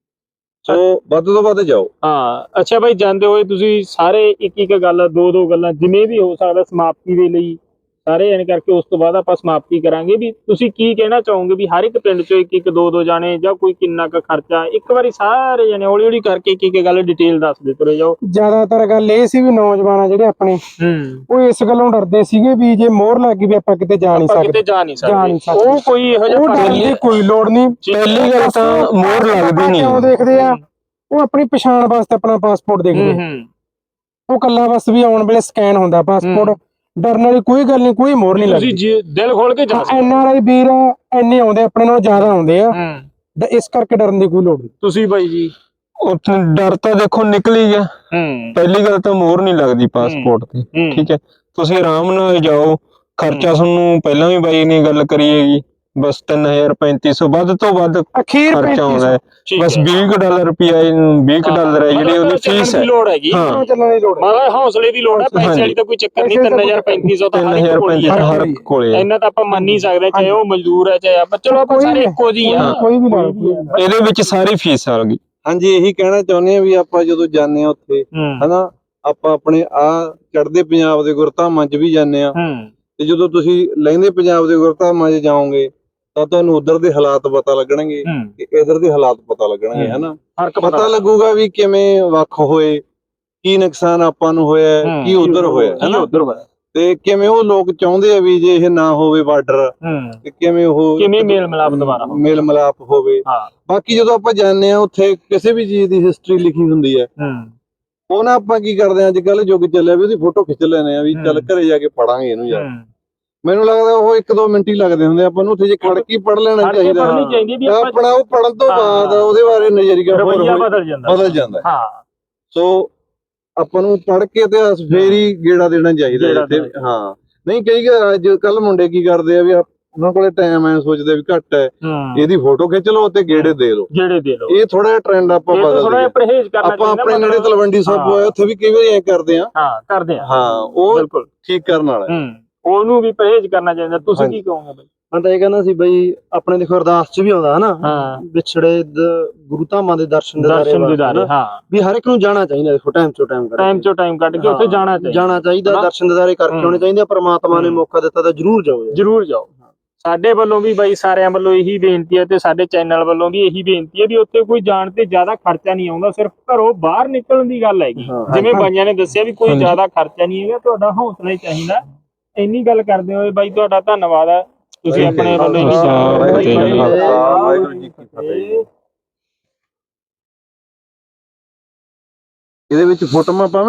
B: ਸੋ ਵੱਧ ਤੋਂ ਵੱਧ ਜਾਓ।
A: ਹਾਂ ਅੱਛਾ ਬਾਈ, ਜਾਂਦੇ ਹੋਏ ਤੁਸੀਂ ਸਾਰੇ ਇੱਕ ਇੱਕ ਗੱਲ ਦੋ ਦੋ ਗੱਲਾਂ ਜਿਵੇਂ ਵੀ ਹੋ ਸਕਦਾ ਸਮਾਪਤੀ ਦੇ ਲਈ ਸਾਰੇ ਐਨ ਕਰਕੇ, ਉਸ ਤੋਂ ਬਾਅਦ ਆਪਾਂ ਸਮਾਪਤੀ ਕਰਾਂਗੇ, ਵੀ ਤੁਸੀਂ ਕੀ ਕਹਿਣਾ ਚਾਹੋਗੇ ਵੀ ਹਰ ਇੱਕ ਪਿੰਡ ਚੋਂ ਇੱਕ ਇੱਕ ਦੋ ਦੋ ਜਾਣੇ ਜਾਂ ਕੋਈ ਕਿੰਨਾ ਕੁ ਖਰਚਾ, ਇੱਕ ਵਾਰੀ ਸਾਰੇ ਜਾਣੇ ਹੌਲੀ ਹੌਲੀ ਕਰਕੇ ਇੱਕ ਇੱਕ ਗੱਲ ਡਿਟੇਲ ਦੱਸਦੇ ਤੁਰੇ ਜਾਓ।
E: ਜ਼ਿਆਦਾਤਰ ਗੱਲ ਇਹ ਸੀ ਵੀ ਨੌਜਵਾਨ ਆ ਜਿਹੜੇ ਆਪਣੇ, ਉਹ ਇਸ ਗੱਲੋਂ ਡਰਦੇ ਸੀਗੇ ਵੀ ਜੇ ਮੋਹਰ ਲੱਗ ਗਈ ਵੀ ਆਪਾਂ ਕਿਤੇ ਜਾ ਨਹੀਂ
A: ਆਪਾਂ
E: ਸਕਦੇ,
A: ਕਿਤੇ ਜਾ ਨਹੀਂ
E: ਜਾ ਨਹੀਂ
A: ਸਕਦੇ,
E: ਸਕਦੇ।
A: ਉਹ ਕੋਈ ਇਹੋ ਜਿਹਾ
E: ਉਹ ਡਰਨ ਦੀ ਕੋਈ ਲੋੜ ਨਹੀਂ।
D: ਪਹਿਲੀ ਗੱਲ ਤਾਂ ਮੋਹਰ ਲੱਗਦੀ ਨਹੀਂ,
E: ਕਿਉਂ ਦੇਖਦੇ ਆ, ਉਹ ਆਪਣੀ ਪਛਾਣ ਵਾਸਤੇ ਆਪਣਾ ਪਾਸਪੋਰਟ ਦੇਖਦੇ ਆ, ਉਹ ਕੱਲਾ ਬਸ ਵੀ ਆਉਣ ਵੇਲੇ ਸਕੈਨ ਹੁੰਦਾ ਪਾਸਪੋਰਟ, ਡਰਨ ਵਾਲੀ ਕੋਈ ਗੱਲ ਨਹੀਂ, ਕੋਈ ਮੋਹਰ ਨਹੀਂ ਲੱਗਦੀ।
A: ਤੁਸੀਂ ਦਿਲ ਖੋਲ ਕੇ ਜਾ ਸਕਦੇ।
E: ਐਨ ਆਰ ਆਈ ਵੀਰ ਇੰਨੇ ਆਉਂਦੇ ਆਪਣੇ ਨਾਲੋਂ ਜ਼ਿਆਦਾ ਆਉਂਦੇ ਆ, ਇਸ ਕਰਕੇ ਡਰਨ ਦੀ ਕੋਈ ਲੋੜ ਨਹੀਂ।
A: ਤੁਸੀਂ ਬਾਈ ਜੀ?
D: ਉੱਥੇ ਡਰ ਤਾਂ ਦੇਖੋ ਨਿਕਲ ਹੀ ਗਿਆ, ਪਹਿਲੀ ਗੱਲ ਤਾਂ ਮੋਹਰ ਨਹੀਂ ਲੱਗਦੀ ਪਾਸਪੋਰਟ ਤੇ, ਠੀਕ ਹੈ, ਤੁਸੀਂ ਆਰਾਮ ਨਾਲ ਜਾਓ, ਖਰਚਾ ਤੁਹਾਨੂੰ ਪਹਿਲਾਂ ਵੀ ਬਾਈ ਨੇ ਗੱਲ ਕਰੀ ਹੈਗੀ, ਬਸ ਤਿੰਨ ਹਜ਼ਾਰ ਪੈਂਤੀ ਸੌ ਵੱਧ ਤੋਂ ਵੱਧ
E: ਅਖੀਰ
D: ਖਰਚਾ ਆਉਂਦਾ ਹੈ, ਬਸ ਵੀਹ ਡਾਲਰ ਰੁਪਿਆ ਵੀਹ ਡਾਲਰ ਹੈ ਜਿਹੜੀ ਉਹਦੀ ਫੀਸ ਹੈ।
A: ਲੋੜ ਹੈਗੀ,
D: ਹਾਂ
E: ਚੱਲਣ ਦੀ ਲੋੜ ਹੈ,
A: ਮਾੜਾ ਹੌਸਲੇ ਦੀ ਲੋੜ ਹੈ, ਪੈਸੇ ਵਾਲੀ ਤਾਂ ਕੋਈ ਚੱਕਰ ਨਹੀਂ। ਤਿੰਨ ਹਜ਼ਾਰ ਪੈਂਤੀ ਸੌ ਤਾਂ
D: ਤਿੰਨ ਹਜ਼ਾਰ ਪੈਂਤੀ ਸੌ ਹਰ ਕੋਲੇ ਹੈ,
A: ਇੰਨਾ ਤਾਂ ਆਪਾਂ ਮੰਨ ਹੀ ਸਕਦੇ, ਚਾਹੇ ਉਹ ਮਜ਼ਦੂਰ ਹੈ ਚਾਹੇ ਆਪਾਂ, ਚਲੋ ਆਪਾਂ ਸਾਰੇ ਇੱਕੋ ਜਿਹੀ ਆ,
E: ਕੋਈ ਵੀ ਨਾ
D: ਇਹਦੇ ਵਿੱਚ ਸਾਰੀ ਫੀਸ ਆ ਗਈ।
B: ਹਾਂਜੀ, ਇਹੀ ਕਹਿਣਾ ਚਾਹੁੰਦੇ ਆ ਵੀ ਆਪਾਂ ਜਦੋਂ ਜਾਂਦੇ ਆ ਉੱਥੇ ਹਨਾ, ਆਪਾਂ ਆਪਣੇ ਆ ਚੜ੍ਹਦੇ ਪੰਜਾਬ ਦੇ ਗੁਰਧਾਮਾਂ 'ਚ ਵੀ ਜਾਂਦੇ ਆ, ਤੇ ਜਦੋਂ ਤੁਸੀਂ ਲਹਿੰਦੇ ਪੰਜਾਬ ਦੇ ਗੁਰਧਾਮਾਂ 'ਚ ਜਾਓਗੇ ਤਾਂ ਤੁਹਾਨੂੰ ਉਧਰ ਦੇ ਹਾਲਾਤ ਪਤਾ ਲੱਗਣਗੇ ਤੇ ਇਧਰ ਦੇ ਹਾਲਾਤ ਪਤਾ ਲੱਗਣਗੇ, ਹਨਾ, ਪਤਾ ਲੱਗੂਗਾ ਵੀ ਕਿਵੇਂ ਵੱਖ ਹੋਏ, ਕੀ ਨੁਕਸਾਨ ਆਪਾਂ ਨੂੰ ਹੋਇਆ, ਕੀ ਉਧਰ ਹੋਇਆ, ਹਨਾ, ਤੇ ਕਿਵੇਂ ਉਹ ਲੋਕ ਚਾਹੁੰਦੇ ਆ ਵੀ ਜੇ ਇਹ ਨਾ ਹੋਵੇ ਬਾਰਡਰ, ਤੇ ਕਿਵੇਂ ਉਹ
A: ਕਿਵੇਂ ਮੇਲ ਮਿਲਾਪ ਦੁਬਾਰਾ
B: ਮੇਲ ਮਿਲਾਪ ਹੋਵੇ। ਬਾਕੀ ਜਦੋਂ ਆਪਾਂ ਜਾਂਦੇ ਆ ਉੱਥੇ ਕਿਸੇ ਵੀ ਚੀਜ਼ ਦੀ ਹਿਸਟਰੀ ਲਿਖੀ ਹੁੰਦੀ ਹੈ, ਉਹ ਨਾ ਆਪਾਂ ਕੀ ਕਰਦੇ ਆ, ਅੱਜ ਕੱਲ ਯੁੱਗ ਚੱਲਿਆ ਵੀ ਉਹਦੀ ਫੋਟੋ ਖਿੱਚ ਲੈਣੇ ਆ ਵੀ ਚੱਲ ਘਰੇ ਜਾ ਕੇ ਪੜਾਂਗੇ ਇਹਨੂੰ ਯਾਰ। ਮੈਨੂੰ ਲੱਗਦਾ ਉਹ ਇੱਕ ਦੋ ਮਿੰਟ ਹੀ ਲੱਗਦੇ ਹੁੰਦੇ, ਆਪਾਂ ਨੂੰ ਉੱਥੇ ਜੇ ਖੜ ਕੇ ਪੜ ਲੈਣਾ ਚਾਹੀਦਾ, ਆਪਣਾ ਉਹ ਪੜਨ ਤੋਂ ਬਾਅਦ ਉਹਦੇ ਬਾਰੇ ਨਜ਼ਰੀਆ ਬਦਲ ਜਾਂਦਾ ਬਦਲ ਜਾਂਦਾ ਸੋ ਆਪਾਂ ਨੂੰ ਪੜ ਕੇ ਇਤਿਹਾਸ ਫੇਰ ਹੀ ਗੇੜਾ ਦੇਣਾ ਚਾਹੀਦਾ ਇੱਥੇ। ਹਾਂ, ਨਹੀਂ ਕਈ ਅੱਜ ਕੱਲ ਮੁੰਡੇ ਕੀ ਕਰਦੇ ਆ ਵੀ ਉਹਨਾਂ ਕੋਲੇ ਟਾਈਮ ਐ, ਸੋਚਦੇ ਵੀ ਘੱਟ ਹੈ, ਇਹਦੀ ਫੋਟੋ ਖਿੱਚ ਲਓ ਤੇ ਗੇੜੇ ਦੇ ਲਓ, ਗੇੜੇ ਦੇ ਲਓ। ਇਹ ਥੋੜਾ ਜਿਹਾ ਟ੍ਰੈਂਡ ਆਪਾਂ ਬਦਲਦੇ ਆਪਾਂ ਆਪਣੇ ਨੇੜੇ ਤਲਵੰਡੀ ਸਾਬੋ ਆਏ, ਉੱਥੇ ਵੀ ਕਈ ਵਾਰੀ ਐ ਕਰਦੇ ਆ, ਹਾਂ ਕਰਦੇ ਆ, ਹਾਂ ਉਹ ਠੀਕ ਕਰਨ ਵਾਲਾ, ਉਹਨੂੰ ਵੀ ਪਰਹੇਜ਼ ਕਰਨਾ ਚਾਹੀਦਾ। ਤੁਸੀਂ ਕੀ ਕਹੋਗੇ ਬਈ?
C: ਮੈਂ ਤਾਂ ਇਹ ਕਹਿੰਦਾ ਸੀ ਬਈ, ਆਪਣੇ ਦੇਖੋ ਅਰਦਾਸ 'ਚ ਵੀ ਆਉਂਦਾ ਹਨਾ, ਵਿਛੜੇ ਗੁਰੂ ਧਾਮਾਂ ਦੇ ਦਰਸ਼ਨ ਦਿਦਾਰੇ, ਹਾਂ, ਵੀ ਹਰ ਇੱਕ ਨੂੰ ਜਾਣਾ ਚਾਹੀਦਾ, ਦੇਖੋ ਟਾਈਮ ਚੋਂ ਟਾਈਮ
A: ਟਾਈਮ ਚੋਂ ਟਾਈਮ ਕੱਢ ਕੇ ਉੱਥੇ ਜਾਣਾ ਚਾਹੀਦਾ,
C: ਜਾਣਾ ਚਾਹੀਦਾ, ਦਰਸ਼ਨ ਦਿਦਾਰੇ ਕਰਕੇ ਆਉਣੇ ਚਾਹੀਦੇ। ਪ੍ਰਮਾਤਮਾ ਨੇ ਮੌਕਾ ਦਿੱਤਾ ਤਾਂ ਜਰੂਰ ਜਾਓ, ਜਰੂਰ ਜਾਓ।
A: ਸਾਡੇ ਵੱਲੋਂ ਵੀ ਬਾਈ ਸਾਰਿਆਂ ਵੱਲੋਂ ਇਹੀ ਬੇਨਤੀ ਹੈ, ਤੇ ਸਾਡੇ ਚੈਨਲ ਵੱਲੋਂ ਵੀ ਇਹੀ ਬੇਨਤੀ ਹੈ ਵੀ ਉੱਥੇ ਕੋਈ ਜਾਣ ਤੇ ਜ਼ਿਆਦਾ ਖਰਚਾ ਨਹੀਂ ਆਉਂਦਾ, ਸਿਰਫ ਘਰੋਂ ਬਾਹਰ ਨਿਕਲਣ ਦੀ ਗੱਲ ਹੈਗੀ। ਜਿਵੇਂ ਬਾਈਆਂ ਨੇ ਦੱਸਿਆ ਵੀ ਕੋਈ ਜ਼ਿਆਦਾ ਖਰਚਾ ਨਹੀਂ ਹੈਗਾ, ਤੁਹਾਡਾ ਹੌਸਲਾ ਹੀ ਚਾਹੀਦਾ। ਇੰਨੀ ਗੱਲ ਕਰਦੇ ਹੋਏ ਬਾਈ ਤੁਹਾਡਾ ਧੰਨਵਾਦ ਹੈ, ਤੁਸੀਂ ਆਪਣੇ ਵੱਲੋਂ ਇਹੀ
B: ਵਾਹਿਗੁਰੂ ਜੀ ਕੀ ਫਤਿਹ। ਇਹਦੇ ਵਿੱਚ ਫੋਟੋਆਂ ਪਾਵਾਂ।